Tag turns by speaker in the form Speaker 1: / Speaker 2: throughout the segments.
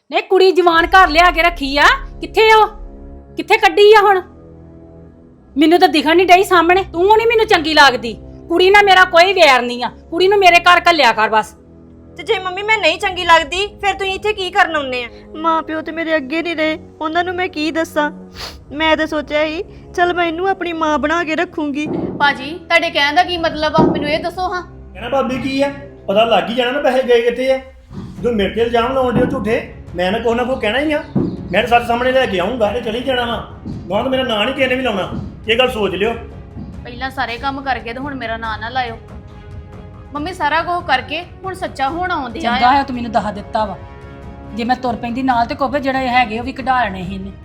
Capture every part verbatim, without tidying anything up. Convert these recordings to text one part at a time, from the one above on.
Speaker 1: ਨਹੀਂ ਕੁੜੀ ਜਵਾਨ ਘਰ ਲਿਆ ਕੇ ਰੱਖੀ ਆ, ਕਿੱਥੇ ਉਹ ਕਿੱਥੇ ਕੱਢੀ ਆ ਹੁਣ? ਮੈਨੂੰ ਤਾਂ ਦਿਖਣ ਨਹੀਂ ਡਈ ਸਾਹਮਣੇ। ਤੂੰ ਨਹੀਂ ਮੈਨੂੰ ਚੰਗੀ ਲੱਗਦੀ। ਕੁੜੀ ਨਾਲ ਮੇਰਾ ਕੋਈ ਵੈਰ ਨਹੀਂ ਆ, ਕੁੜੀ ਨੂੰ ਮੇਰੇ ਘਰ ਘੱਲਿਆ ਕਰ ਬਸ।
Speaker 2: ਤੇ ਜੇ ਮੰਮੀ ਮੈਂ ਨਹੀਂ ਚੰਗੀ ਲੱਗਦੀ ਫਿਰ ਤੁਸੀਂ ਇੱਥੇ ਕੀ ਕਰਨ ਆਉਂਦੇ ਆ?
Speaker 3: ਮਾਂ ਪਿਓ ਤੇ ਮੇਰੇ ਅੱਗੇ ਨਹੀਂ ਰਹੇ, ਉਹਨਾਂ ਨੂੰ ਮੈਂ ਕੀ ਦੱਸਾਂ। ਮੈਂ ਤਾਂ ਸੋਚਿਆ ਸੀ ਚਲ ਮੈਂ ਇਹਨੂੰ ਆਪਣੀ ਮਾਂ ਬਣਾ ਕੇ ਰੱਖੂੰਗੀ।
Speaker 4: ਭਾਜੀ ਤੁਹਾਡੇ ਕਹਿਣ ਦਾ ਕੀ ਮਤਲਬ ਆ, ਮੈਨੂੰ ਇਹ ਦੱਸੋ ਹਾਂ।
Speaker 5: ਕਹਿਣਾ ਭਾਬੀ ਕੀ ਆ, ਪਤਾ ਲੱਗ ਹੀ ਜਾਣਾ ਨਾ ਪੈਸੇ ਗਏ ਕਿੱਥੇ ਆ। ਜਦੋਂ ਮੇਰੇ ਤੇ ਇਲਜ਼ਾਮ ਲਾਉਣ ਦੇ ਝੂਠੇ, ਮੈਂ ਨਾ ਕੋਈ ਨਾ ਕੋਈ ਕਹਿਣਾ ਹੀ ਆ। ਮੈਂ ਤਾਂ ਸੱਚ ਸਾਹਮਣੇ ਲੈ ਕੇ ਆਉਂਗਾ ਤੇ ਚਲੀ ਜਾਣਾ ਵਾ। ਗਾਂ ਤਾਂ ਮੇਰਾ ਨਾਂ ਨਹੀਂ ਕਿਸੇ ਨੇ ਵੀ ਲਾਉਣਾ, ਇਹ ਗੱਲ ਸੋਚ ਲਿਓ।
Speaker 4: ਪਹਿਲਾਂ ਸਾਰੇ ਕੰਮ ਕਰਕੇ ਤੇ ਹੁਣ ਮੇਰਾ ਨਾਂ ਨਾ ਲਾਇਓ। ਮੰਮੀ ਸਾਰਾ ਕੁਝ ਕਰਕੇ ਹੁਣ ਸੱਚਾ ਹੋਣ ਆਉਂਦੇ ਆ।
Speaker 1: ਚੰਗਾ ਹੈ ਤੂੰ ਮੈਨੂੰ ਦੱਸ ਦਿੱਤਾ ਵਾ। ਜੇ ਮੈਂ ਤੁਰ ਪੈਂਦੀ ਨਾਲ ਤੇ ਕੋਪੇ ਜਿਹੜੇ ਹੈਗੇ ਉਹ ਵੀ ਕਢਾ ਲੈਣੇ ਸੀ ਇਹਨੇ।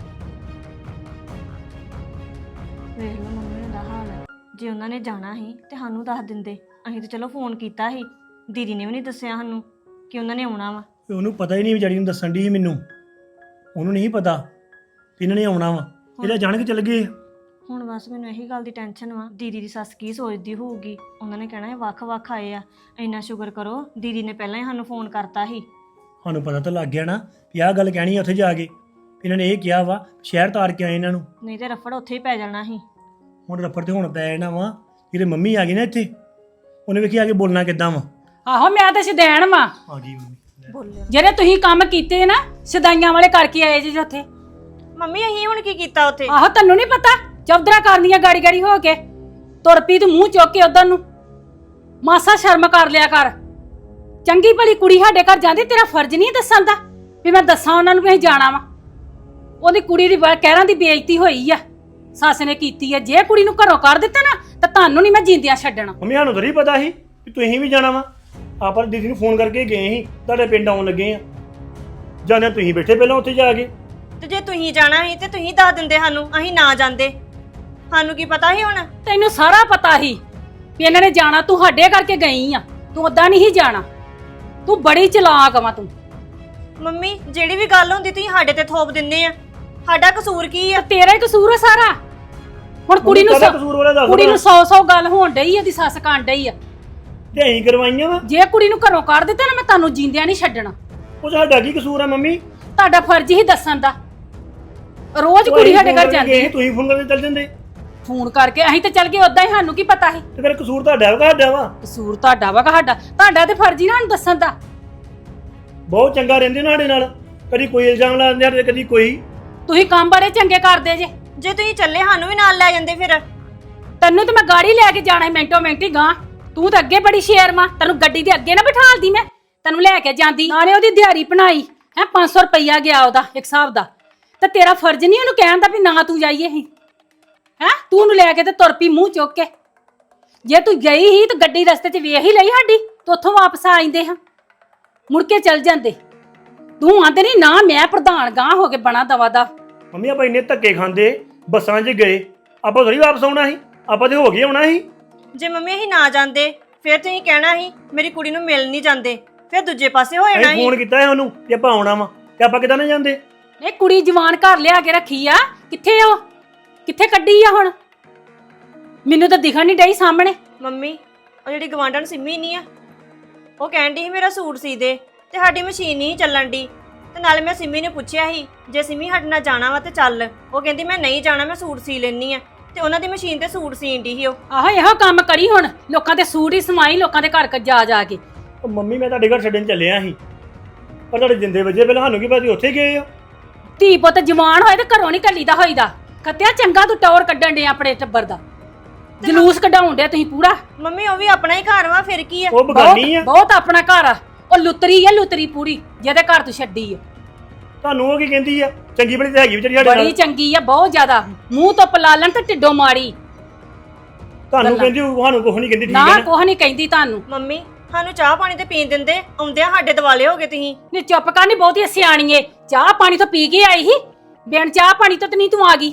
Speaker 3: ਵੇਖ ਲਓ ਮੰਮੀ ਦਾ ਹਾਲ। ਜੇ ਉਹਨਾਂ ਨੇ ਜਾਣਾ ਸੀ ਤੇ ਸਾਨੂੰ ਦੱਸ ਦਿੰਦੇ। ਅਸੀਂ ਤਾਂ ਚਲੋ ਫੋਨ ਕੀਤਾ ਸੀ, ਦੀਦੀ ਨੇ ਵੀ ਨਹੀਂ ਦੱਸਿਆ ਸਾਨੂੰ ਕਿ ਉਹਨਾਂ ਨੇ ਆਉਣਾ ਵਾ।
Speaker 5: ਉਹਨੂੰ ਪਤਾ ਹੀ ਨਹੀਂ, ਵਿਚਾਰੀ ਨੂੰ ਦੱਸਣ ਦੀ ਸੀ ਮੈਨੂੰ। ਉਹਨੂੰ ਨਹੀਂ ਪਤਾ ਕਿ ਇਹਨਾਂ ਨੇ ਆਉਣਾ ਵਾ, ਇਹਦਾ ਜਾਣ ਕੇ ਚੱਲ ਗਏ।
Speaker 3: ਹੁਣ ਬਸ ਮੈਨੂੰ ਇਹੀ ਗੱਲ ਦੀ ਟੈਨਸ਼ਨ ਵਾ, ਦੀਦੀ ਦੀ ਸੱਸ ਕੀ ਸੋਚਦੀ ਹੋਊਗੀ। ਉਹਨਾਂ ਨੇ ਕਹਿਣਾ ਇਹ ਵੱਖ-ਵੱਖ ਆਏ ਆ। ਇੰਨਾ ਸ਼ੁਕਰ ਕਰੋ ਦੀਦੀ ਨੇ ਪਹਿਲਾਂ ਹੀ ਸਾਨੂੰ ਫੋਨ ਕਰਤਾ ਸੀ।
Speaker 5: ਸਾਨੂੰ ਪਤਾ ਤਾਂ ਲੱਗ ਗਿਆ ਨਾ ਵੀ ਆਹ ਗੱਲ ਕਹਿਣੀ ਆ ਉੱਥੇ ਜਾ ਕੇ। ਇਹਨਾਂ ਨੇ ਇਹ ਕਿਹਾ ਵਾ ਸ਼ਹਿਰ ਤਾਰ ਕੇ ਆਏ ਇਹਨਾਂ ਨੂੰ,
Speaker 3: ਨਹੀਂ ਤੇ ਰਫੜ ਉੱਥੇ ਹੀ ਪੈ ਜਾਣਾ ਸੀ।
Speaker 5: ਹੁਣ ਰਫੜ ਤੇ ਹੁਣ ਪੈ ਜਾਣਾ ਵਾ। ਜਿਹੜੇ ਮੰਮੀ ਆ ਗਈ ਨਾ ਇੱਥੇ, ਉਹਨੇ ਵੇਖੀ ਆ ਕੇ ਬੋਲਣਾ ਕਿੱਦਾਂ ਵਾ।
Speaker 1: ਆਹੋ ਮੈਂ ਤਾਂ ਸ਼ਦੈਣ ਵਾਂ।
Speaker 5: ਆ ਗਈ ਮੰਮੀ।
Speaker 3: ਬੋਲਿਆ
Speaker 1: ਜਿਹੜੇ ਤੁਸੀਂ ਕੰਮ ਕੀਤੇ ਨਾ ਸਦਾਈਆਂ ਵਾਲੇ ਕਰਕੇ ਆਏ ਜੀ ਉੱਥੇ।
Speaker 2: ਮੰਮੀ ਅਸੀਂ ਹੁਣ ਕੀ ਕੀਤਾ ਉੱਥੇ?
Speaker 1: ਆਹੋ ਤੈਨੂੰ ਨਹੀਂ ਪਤਾ, ਚੌਧਰਾ ਕਰਦੀਆਂ ਗਾੜੀ ਗਾੜੀ ਹੋ ਕੇ ਤੁਰ ਪਈ ਤੂੰ ਮੂੰਹ ਚੁੱਕ ਕੇ ਉਧਰ ਨੂੰ। ਮਾਸਾ ਸ਼ਰਮ ਕਰ ਲਿਆ ਕਰ। ਚੰਗੀ ਭਲੀ ਕੁੜੀ ਸਾਡੇ ਘਰ ਜਾਂਦੀ, ਤੇਰਾ ਫਰਜ਼ ਨਹੀਂ ਦੱਸਣ ਦਾ ਵੀ ਮੈਂ ਦੱਸਾਂ ਉਹਨਾਂ ਨੂੰ ਵੀ ਅਸੀਂ ਜਾਣਾ ਵਾ। ਉਹਦੀ ਕੁੜੀ ਦੀ ਕਹਿਰਾਂ ਦੀ ਬੇਇੱਜ਼ਤੀ ਹੋਈ ਆ, ਸੱਸ ਨੇ ਕੀਤੀ ਆ। ਜੇ ਕੁੜੀ ਨੂੰ ਘਰੋਂ ਕੱਢ ਦਿੱਤਾ ਨਾ ਤਾਂ ਤੁਹਾਨੂੰ ਨਹੀਂ ਮੈਂ ਜਿੰਦਿਆਂ ਛੱਡਣਾ।
Speaker 5: ਮੰਮੀ ਸਾਨੂੰ ਤਾਂ ਨਹੀਂ ਪਤਾ ਸੀ ਕਿ ਤੁਸੀਂ ਵੀ ਜਾਣਾ ਵਾ। ਆਪਾਂ ਦੀਦੀ ਨੂੰ ਫੋਨ ਕਰਕੇ ਗਏ ਸੀ, ਤੁਹਾਡੇ ਪਿੰਡ ਆਉਣ ਲੱਗੇ ਆ। ਜਾਂਦੇ ਤੁਸੀਂ ਬੈਠੇ ਪਹਿਲਾਂ ਉੱਥੇ ਜਾ ਕੇ।
Speaker 2: ਤੇ ਜੇ ਤੁਸੀਂ ਜਾਣਾ ਸੀ ਤੇ ਤੁਸੀਂ ਦੱਸ ਦਿੰਦੇ ਸਾਨੂੰ, ਅਸੀਂ ਨਾ ਜਾਂਦੇ। ਸਾਨੂੰ ਕੀ ਪਤਾ ਸੀ ਹੁਣ?
Speaker 1: ਤੈਨੂੰ ਸਾਰਾ ਪਤਾ ਸੀ ਵੀ ਇਹਨਾਂ ਨੇ ਜਾਣਾ, ਤੂੰ ਸਾਡੇ ਕਰਕੇ ਗਈ ਆ। ਤੂੰ ਓਦਾਂ ਨਹੀਂ ਸੀ ਜਾਣਾ, ਤੂੰ ਬੜੀ ਚਲਾਕ ਵਾ ਤੂੰ।
Speaker 2: ਮੰਮੀ ਜਿਹੜੀ ਵੀ ਗੱਲ ਹੁੰਦੀ ਤੁਸੀਂ ਸਾਡੇ ਤੇ ਥੋਪ ਦਿੰਦੇ ਆ। ਸਾਡਾ ਕਸੂਰ ਕੀ ਆ?
Speaker 1: ਤੇਰਾ ਹੀ ਕਸੂਰ ਆ ਸਾਰਾ। ਹੁਣ ਕੁੜੀ ਨੂੰ
Speaker 5: ਕਾਹਦਾ ਕਸੂਰ ਵਾਲਾ ਦੱਸ
Speaker 1: ਕੁੜੀ ਨੂੰ
Speaker 5: ਭਲਾ।
Speaker 1: ਸੌ ਸੌ ਗੱਲ ਹੋਣ ਡਈ ਆ, ਦੀ ਸੱਸ ਕਾਂਡ ਡਈ ਆ।
Speaker 5: ਤੇ ਅਸੀਂ ਕਰਵਾਈਆਂ ਵਾ।
Speaker 1: ਜੇ ਕੁੜੀ ਨੂੰ ਘਰੋਂ ਕੱਢ ਦਿੱਤਾ ਨਾ ਮੈਂ ਤੁਹਾਨੂੰ ਜਿੰਦਿਆਂ ਨਹੀਂ ਛੱਡਣਾ।
Speaker 5: ਉਹ ਸਾਡਾ ਕੀ ਕਸੂਰ ਆ ਮੰਮੀ?
Speaker 1: ਤੁਹਾਡਾ ਫਰਜ਼ ਹੀ ਦੱਸਣ ਦਾ। ਰੋਜ਼ ਕੁੜੀ ਸਾਡੇ ਘਰ ਜਾਂਦੀ ਹੈ।
Speaker 5: ਤੁਸੀਂ ਫੋਨ ਕਰਕੇ ਚੱਲ ਜਾਂਦੇ।
Speaker 1: ਫੋਨ ਕਰਕੇ ਅਸੀਂ ਤੇ ਚੱਲ ਗਏ, ਉਦਾਂ ਹੀ ਸਾਨੂੰ ਕੀ ਪਤਾ ਸੀ।
Speaker 5: ਤੇ ਫਿਰ ਕਸੂਰ ਤੁਹਾਡਾ ਵਾ ਸਾਡਾ ਵਾ?
Speaker 1: ਕਸੂਰ ਤੁਹਾਡਾ ਵਾ ਸਾਡਾ? ਤੁਹਾਡਾ ਤੇ ਫਰਜ਼ ਹੀ ਨਾ ਸਾਨੂੰ ਦੱਸਣ ਦਾ।
Speaker 5: ਬਹੁਤ ਚੰਗਾ ਰਹਿੰਦੇ ਨਾ ਸਾਡੇ ਨਾਲ, ਕਦੀ ਕੋਈ ਇਲਜ਼ਾਮ ਲਾ ਦਿੰਦੇ ਆ ਤੇ ਕਦੀ ਕੋਈ।
Speaker 1: ਤੁਸੀਂ ਕੰਮ ਬੜੇ ਚੰਗੇ ਕਰਦੇ ਜੇ।
Speaker 2: ਜੇ ਤੁਸੀਂ ਚੱਲੇ ਸਾਨੂੰ ਵੀ ਨਾਲ ਲੈ ਜਾਂਦੇ ਫਿਰ।
Speaker 1: ਤੈਨੂੰ ਤੇ ਮੈਂ ਗਾੜੀ ਲੈ ਕੇ ਜਾਣਾ ਮਿੰਟੋ ਮਿੰਟ ਹੀ ਗਾਂ। ਤੂੰ ਤਾਂ ਅੱਗੇ ਬੜੀ ਸ਼ੇਰ ਮਾਂ, ਤੈਨੂੰ ਗੱਡੀ ਦੇ ਅੱਗੇ ਨਾ ਬਿਠਾਲਦੀ ਮੈਂ, ਤੈਨੂੰ ਲੈ ਕੇ ਜਾਂਦੀ। ਨਾਲੇ ਉਹਦੀ ਦਿਹਾੜੀ ਬਣਾਈ ਹੈ ਪੰਜ ਸੌ ਰੁਪਈਆ ਗਿਆ ਉਹਦਾ ਇੱਕ ਹਿਸਾਬ ਦਾ। ਤੇ ਤੇਰਾ ਫਰਜ਼ ਨਹੀਂ ਉਹਨੂੰ ਕਹਿਣ ਦਾ ਵੀ ਨਾ ਤੂੰ ਜਾਈਏ ਹੀ ਹੈ। ਤੂੰ ਉਹਨੂੰ ਲੈ ਕੇ ਤੇ ਤੁਰ ਪਈ ਮੂੰਹ ਚੁੱਕ ਕੇ। ਜੇ ਤੂੰ ਗਈ ਹੀ ਤਾਂ ਗੱਡੀ ਰਸਤੇ 'ਚ ਵੇਖ ਹੀ ਲਈ ਸਾਡੀ, ਤੇ ਉੱਥੋਂ ਵਾਪਸ ਆ ਜਾਂਦੇ ਹਾਂ, ਮੁੜ ਕੇ ਚੱਲ ਜਾਂਦੇ। ਤੂੰ ਆਂਦੇ ਨਹੀਂ ਨਾ ਮੈਂ ਪ੍ਰਧਾਨ ਗਾਂ ਹੋ ਕੇ ਬਣਾ ਦਵਾ ਦਾ।
Speaker 5: ਮੰਮੀ ਆਪਾਂ ਇੰਨੇ ਧੱਕੇ ਖਾਂਦੇ, ਬੱਸਾਂ 'ਚ ਗਏ, ਆਪਾਂ ਥੋੜੀ ਵਾਪਸ ਆਉਣਾ ਸੀ। ਆਪਾਂ ਤੇ ਹੋ ਗਏ ਆਉਣਾ ਸੀ।
Speaker 2: ਜੇ ਮੰਮੀ ਅਸੀਂ ਨਾ ਜਾਂਦੇ ਫਿਰ ਤੁਸੀਂ ਕਹਿਣਾ ਸੀ ਮੇਰੀ ਕੁੜੀ ਨੂੰ ਮਿਲ ਨਹੀਂ ਜਾਂਦੇ, ਫਿਰ ਦੂਜੇ ਪਾਸੇ ਹੋ ਜਾਣਾ
Speaker 5: ਅਸੀਂ
Speaker 2: ਸੀ।
Speaker 5: ਫੋਨ ਕੀਤਾ ਹੈ ਉਹਨੂੰ ਕਿ ਆਪਾਂ ਆਉਣਾ ਵਾ, ਤੇ ਆਪਾਂ ਕਿਦਾਂ ਨਾ ਜਾਂਦੇ?
Speaker 1: ਇਹ ਕੁੜੀ ਜਵਾਨ ਘਰ ਲਿਆ ਕੇ ਰੱਖੀ ਆ, ਕਿੱਥੇ ਉਹ ਕਿੱਥੇ ਕੱਢੀ ਆ ਹੁਣ? ਮੈਨੂੰ ਤਾਂ ਦਿਖਣ ਨਹੀਂ ਡਈ ਸਾਹਮਣੇ।
Speaker 2: ਮੰਮੀ ਉਹ ਜਿਹੜੀ ਗਵਾਂਢਣ ਸਿੰਮੀ ਨਹੀਂ ਆ, ਉਹ ਕਹਿੰਦੀ ਸੀ ਮੇਰਾ ਸੂਟ ਸੀ ਦੇ, ਤੇ ਸਾਡੀ ਮਸ਼ੀਨ ਨਹੀਂ ਚੱਲਣ ਦੀ। ਤੇ ਨਾਲੇ ਮੈਂ ਸਿੰਮੀ ਨੂੰ ਪੁੱਛਿਆ ਸੀ ਜੇ ਸਿੰਮੀ ਸਾਡੇ ਨਾਲ ਜਾਣਾ ਵਾ ਤੇ ਚੱਲ। ਉਹ ਕਹਿੰਦੀ ਮੈਂ ਨਹੀਂ ਜਾਣਾ, ਮੈਂ ਸੂਟ ਸੀ ਲੈਣੀ ਆ। ਤੇ ਉਹਨਾਂ ਦੀ ਮਸ਼ੀਨ ਤੇ ਸੂਟ ਸੀਣ ਦੀ ਸੀ ਉਹ।
Speaker 1: ਆਹੋ ਇਹੋ ਕੰਮ ਕਰੀ ਹੁਣ, ਲੋਕਾਂ ਦੇ ਸੂਟ ਹੀ ਸਮਾਈ ਲੋਕਾਂ ਦੇ ਘਰ ਕ ਜਾ ਜਾ ਕੇ।
Speaker 5: ਉਹ ਮੰਮੀ ਮੈਂ ਤੁਹਾਡੇ ਘਰ ਛੱਡਣ ਚੱਲਿਆ ਸੀ, ਪਰ ਤੁਹਾਡੇ ਜਿੰਦੇ ਵਜੇ ਪਹਿਲਾਂ ਸਾਨੂੰ ਕੀ ਪਤਾ ਤੁਸੀਂ ਉੱਥੇ ਗਏ ਹੋ।
Speaker 1: ਧੀ ਪੁੱਤ ਜਵਾਨ ਹੋਏ ਤੇ ਘਰੋਂ ਨਹੀਂ ਕੱਲੀ ਦਾ ਹੋਈਦਾ। ਖੱਤਿਆ ਚੰਗਾ ਤੂੰ ਟੌਰ ਕੱਢਣ ਦੇ ਆਪਣੇ ਟੱਬਰ ਦਾ, ਜਲੂਸ ਕਢਾਉਣ ਡਿਆ ਤੁਸੀਂ ਪੂਰਾ।
Speaker 2: ਮੰਮੀ ਉਹ ਵੀ ਆਪਣਾ ਹੀ ਘਰ ਵਾ, ਫਿਰ ਕੀ ਆ?
Speaker 5: ਉਹ ਬਗਾਨੀ ਆ।
Speaker 1: ਬਹੁਤ ਆਪਣਾ ਘਰ ਆ। ਉਹ ਲੁੱਤਰੀ ਆ, ਲੁੱਤਰੀ ਪੂਰੀ, ਜਿਹਦੇ ਘਰ ਤੂੰ ਛੱਡੀ ਆ।
Speaker 5: ਤੁਹਾਨੂੰ ਉਹ ਕੀ ਕਹਿੰਦੀ ਆ? ਚੰਗੀ ਬੜੀ ਤੇ ਹੈਗੀ ਵਿਚਾਰੀ ਸਾਡੇ
Speaker 1: ਬੜੀ
Speaker 5: ਨਾਲ।
Speaker 1: ਚੰਗੀ ਆ, ਬਹੁਤ ਜ਼ਿਆਦਾ। ਮੂੰਹ ਤੋਂ ਪਲਾਲਣ ਤੇ ਢਿੱਡੋਂ ਮਾਰੀ।
Speaker 5: ਤੁਹਾਨੂੰ ਕਹਿੰਦੀ ਉਹ, ਸਾਨੂੰ ਕੁਝ ਨਹੀਂ ਕਹਿੰਦੀ। ਠੀਕ
Speaker 1: ਨਾ
Speaker 5: ਹੈ ਨਾ?
Speaker 1: ਕੁਛ ਨਹੀਂ ਕਹਿੰਦੀ ਤੁਹਾਨੂੰ।
Speaker 2: ਮੰਮੀ ਸਾਨੂੰ ਚਾਹ ਪਾਣੀ ਤੇ ਪੀਣ ਦਿੰਦੇ, ਆਉਂਦਿਆਂ ਸਾਡੇ ਦਿਵਾਲੇ ਹੋ ਗਏ ਤੁਸੀਂ।
Speaker 1: ਨੀ ਚੁੱਪ ਕਰ, ਨੀ ਬਹੁਤੀ ਸਿਆਣੀ ਏ। ਚਾਹ ਪਾਣੀ ਤੋਂ ਪੀ ਕੇ ਆਈ ਸੀ, ਬਿਨ ਚਾਹ ਪਾਣੀ ਤੋਂ ਤੇ ਨਹੀਂ ਤੂੰ ਆ ਗਈ,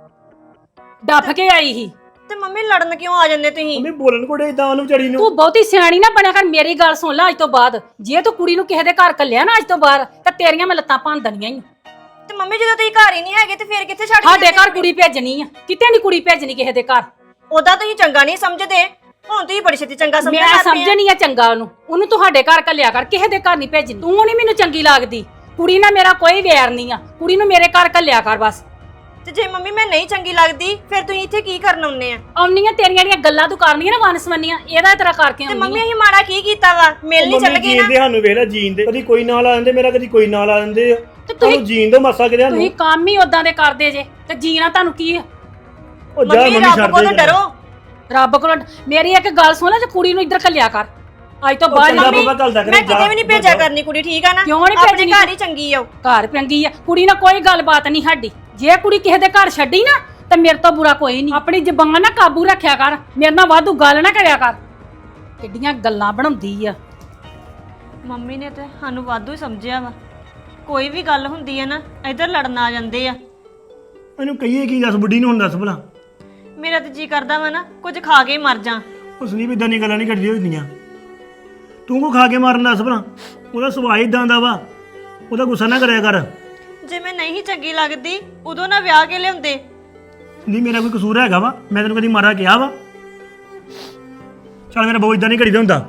Speaker 1: ਡੱਫ ਕੇ ਆਈ ਸੀ।
Speaker 2: ਤੇ ਮੰਮੀ ਲੜਨ ਕਿਉਂ ਆ ਜਾਂਦੇ ਤੁਸੀਂ?
Speaker 5: ਮੰਮੀ ਬੋਲਣ ਕੋੜੇ ਇਦਾਂ ਉਹਨੂੰ ਵਿਚਾਰੀ ਨੂੰ।
Speaker 1: ਤੂੰ ਬਹੁਤੀ ਸਿਆਣੀ ਨਾ ਬਣਿਆ ਕਰ। ਮੇਰੀ ਗੱਲ ਸੁਣ ਲੈ, ਅੱਜ ਤੋਂ ਬਾਅਦ ਜੇ ਤੂੰ ਕੁੜੀ ਨੂੰ ਕਿਸੇ ਦੇ ਘਰ ਕੱਲਿਆ ਨਾ ਅੱਜ ਤੋਂ ਬਾਅਦ, ਤਾਂ ਤੇਰੀਆਂ ਮੈਂ ਲੱਤਾਂ ਭੰਨ ਦੇਣੀਆਂ ਈ।
Speaker 2: ਤੇ ਮੰਮੀ ਜਦੋਂ ਤੁਸੀਂ ਘਰ ਹੀ ਨਹੀਂ ਹੈਗੇ ਤੇ ਫਿਰ ਕਿੱਥੇ ਛੱਡ
Speaker 1: ਸਾਡੇ ਘਰ ਕੁੜੀ ਭੇਜਣੀ ਆ, ਕਿਤੇ ਨਹੀਂ ਕੁੜੀ ਭੇਜਣੀ ਕਿਸੇ ਦੇ ਘਰ।
Speaker 2: ਉਹਦਾ ਤੁਸੀਂ ਚੰਗਾ ਨਹੀਂ ਸਮਝਦੇ, ਹੁਣ ਤੁਸੀਂ ਬੜੀ ਛੇਤੀ ਚੰਗਾ ਸਮਝਣ
Speaker 1: ਮੈਂ
Speaker 2: ਲੱਗ ਪਏ ਆ।
Speaker 1: ਸਮਝਣੀ ਆ ਚੰਗਾ ਉਹਨੂੰ। ਉਹਨੂੰ ਤੁਹਾਡੇ ਘਰ ਕੱਲਿਆ ਕਰ, ਕਿਸੇ ਦੇ ਘਰ ਨਹੀਂ ਭੇਜਣੀ। ਤੂੰ ਨਹੀਂ ਮੈਨੂੰ ਚੰਗੀ ਲੱਗਦੀ। ਕੁੜੀ ਨਾਲ ਮੇਰਾ ਕੋਈ ਵੈਰ ਨਹੀਂ ਆ, ਕੁੜੀ ਨੂੰ ਮੇਰੇ ਘਰ ਘੱਲਿਆ ਕਰ ਬਸ।
Speaker 2: ਤੇ ਜੇ ਮੰਮੀ ਮੈਂ ਨਹੀਂ ਚੰਗੀ ਲੱਗਦੀ ਫਿਰ ਤੁਸੀਂ ਇੱਥੇ ਕੀ ਕਰਨ ਆਉਂਦੇ ਆ?
Speaker 1: ਆਉਣੀਆਂ ਤੇਰੀਆਂ ਜਿਹੜੀਆਂ ਗੱਲਾਂ ਤੂੰ ਕਰਨੀਆਂ ਨਾ ਵਨਸਵੰਨੀਆਂ, ਇਹਦਾ ਤੇਰਾ ਕਰਕੇ
Speaker 2: ਤੇ
Speaker 1: ਆਉਣੀ
Speaker 2: ਮੰਮੀ ਅਸੀਂ ਮਾੜਾ ਕੀ ਕੀਤਾ ਵਾ? ਮਿਲ ਨਹੀਂ ਚੱਲ ਗਏ ਨਾ।
Speaker 5: ਜੀਂਦੇ ਸਾਨੂੰ ਵੇਖ ਲੈ ਜੀਂਦੇ, ਕਦੀ ਕੋਈ ਨਾਲ ਆ ਜਾਂਦੇ ਮੇਰਾ, ਕਦੀ ਕੋਈ ਨਾਲ ਆ ਜਾਂਦੇ ਆ।
Speaker 1: ਤੇ ਤੁਸੀਂ
Speaker 5: ਤੁਹਾਨੂੰ ਜੀਣ ਦੋ ਮਾਸਾ ਕਿਤੇ
Speaker 1: ਤੁਸੀਂ
Speaker 5: ਸਾਨੂੰ।
Speaker 1: ਕੰਮ ਹੀ ਉਦਾਂ ਦੇ ਕਰਦੇ ਜੇ ਤੇ ਜੀਣਾ ਤੁਹਾਨੂੰ ਕੀ ਆ?
Speaker 5: ਉਹ ਜਾ
Speaker 2: ਮੰਮੀ
Speaker 5: ਮੰਮੀ
Speaker 2: ਰੱਬ
Speaker 5: ਛੱਡ
Speaker 2: ਕੋਲੋਂ
Speaker 5: ਦੇ
Speaker 2: ਡਰੋ।
Speaker 1: ਰੱਬ ਕੋਲ ਮੇਰੀ ਇੱਕ ਗੱਲ ਸੁਣ ਲੈ, ਜੇ ਕੁੜੀ ਨੂੰ ਇੱਧਰ ਘੱਲਿਆ ਕਰ ਅੱਜ ਤੋਂ ਬਾਅਦ।
Speaker 5: ਚੰਗਾ
Speaker 1: ਮੰਮੀ
Speaker 5: ਬਾਬਾ ਘੱਲਦਾ ਕਰੇ,
Speaker 2: ਮੈਂ
Speaker 5: ਜਾ,
Speaker 2: ਕਿਤੇ ਵੀ ਨਹੀਂ ਭੇਜਿਆ ਕਰਨੀ ਕੁੜੀ, ਠੀਕ ਆ ਨਾ?
Speaker 1: ਕਿਉਂ ਨੀ
Speaker 2: ਆਪਣੇ
Speaker 1: ਭੇਜਣੀ?
Speaker 2: ਘਰ ਹੀ ਚੰਗੀ ਆ ਉਹ।
Speaker 1: ਘਰ ਪੰਗੀ ਆ, ਕੁੜੀ ਨਾਲ ਕੋਈ ਗੱਲਬਾਤ ਨਹੀਂ ਸਾਡੀ। ਜੇ ਕੁੜੀ ਕਿਸੇ ਦੇ ਘਰ ਛੱਡੀ ਨਾ ਤੇ ਮੇਰੇ ਤੋਂ ਬੁਰਾ ਕੋਈ ਨਹੀਂ। ਆਪਣੀ ਜ਼ਬਾਨ ਨਾ ਕਾਬੂ ਰੱਖਿਆ ਕਰ, ਮੇਰੇ ਨਾਲ ਵਾਧੂ ਗੱਲ ਨਾ ਕਰਿਆ ਕਰ। ਕਿੱਡੀਆਂ ਗੱਲਾਂ ਬਣਾਉਂਦੀ ਆ।
Speaker 3: ਮੰਮੀ ਨੇ ਤੇ ਸਾਨੂੰ ਵਾਧੂ ਹੀ ਸਮਝਿਆ ਵਾ। ਕੋਈ ਵੀ ਗੱਲ ਹੁੰਦੀ ਹੈ ਨਾ ਇੱਧਰ ਲੜਨ ਆ ਜਾਂਦੇ ਆ।
Speaker 5: ਇਹਨੂੰ ਕਹੀਏ ਕੀ ਦੱਸ, ਬੁੱਢੀ ਨੂੰ ਹੁਣ ਦੱਸ ਭਲਾ।
Speaker 3: ਮੇਰਾ ਤੇ ਜੀ ਕਰਦਾ ਵਾ ਨਾ ਕੁਝ ਖਾ ਕੇ ਹੀ ਮਰ ਜਾ।
Speaker 5: ਉਸ ਨੇ ਵੀ ਇਦਾਂ ਦੀਆਂ ਗੱਲਾਂ ਨਹੀਂ ਕਰਦੀ ਹੁੰਦੀਆਂ। ਤੂੰ ਕੋ ਖਾ ਕੇ ਮਾਰਨ ਦੱਸ ਭਲਾ, ਉਹਦਾ ਸੁਭਾਅ ਇਦਾਂ ਦਾ ਵਾ, ਉਹਦਾ ਗੁੱਸਾ ਨਾ ਕਰਿਆ ਕਰ।
Speaker 3: ਜੇ ਮੈਂ ਨਹੀਂ ਚੰਗੀ ਲੱਗਦੀ ਉਦੋਂ ਨਾ ਵਿਆਹ ਕੇ ਲਿਆਉਂਦੇ।
Speaker 5: ਨਹੀਂ ਮੇਰਾ ਕੋਈ ਕਸੂਰ ਹੈਗਾ ਵਾ? ਮੈਂ ਤੈਨੂੰ ਕਦੀ ਮਾਰਾ ਕਿਹਾ ਵਾ? ਚੱਲ ਮੇਰਾ ਬਹੁਤ ਇਦਾਂ ਨਹੀਂ ਕਰੀਦਾ ਹੁੰਦਾ।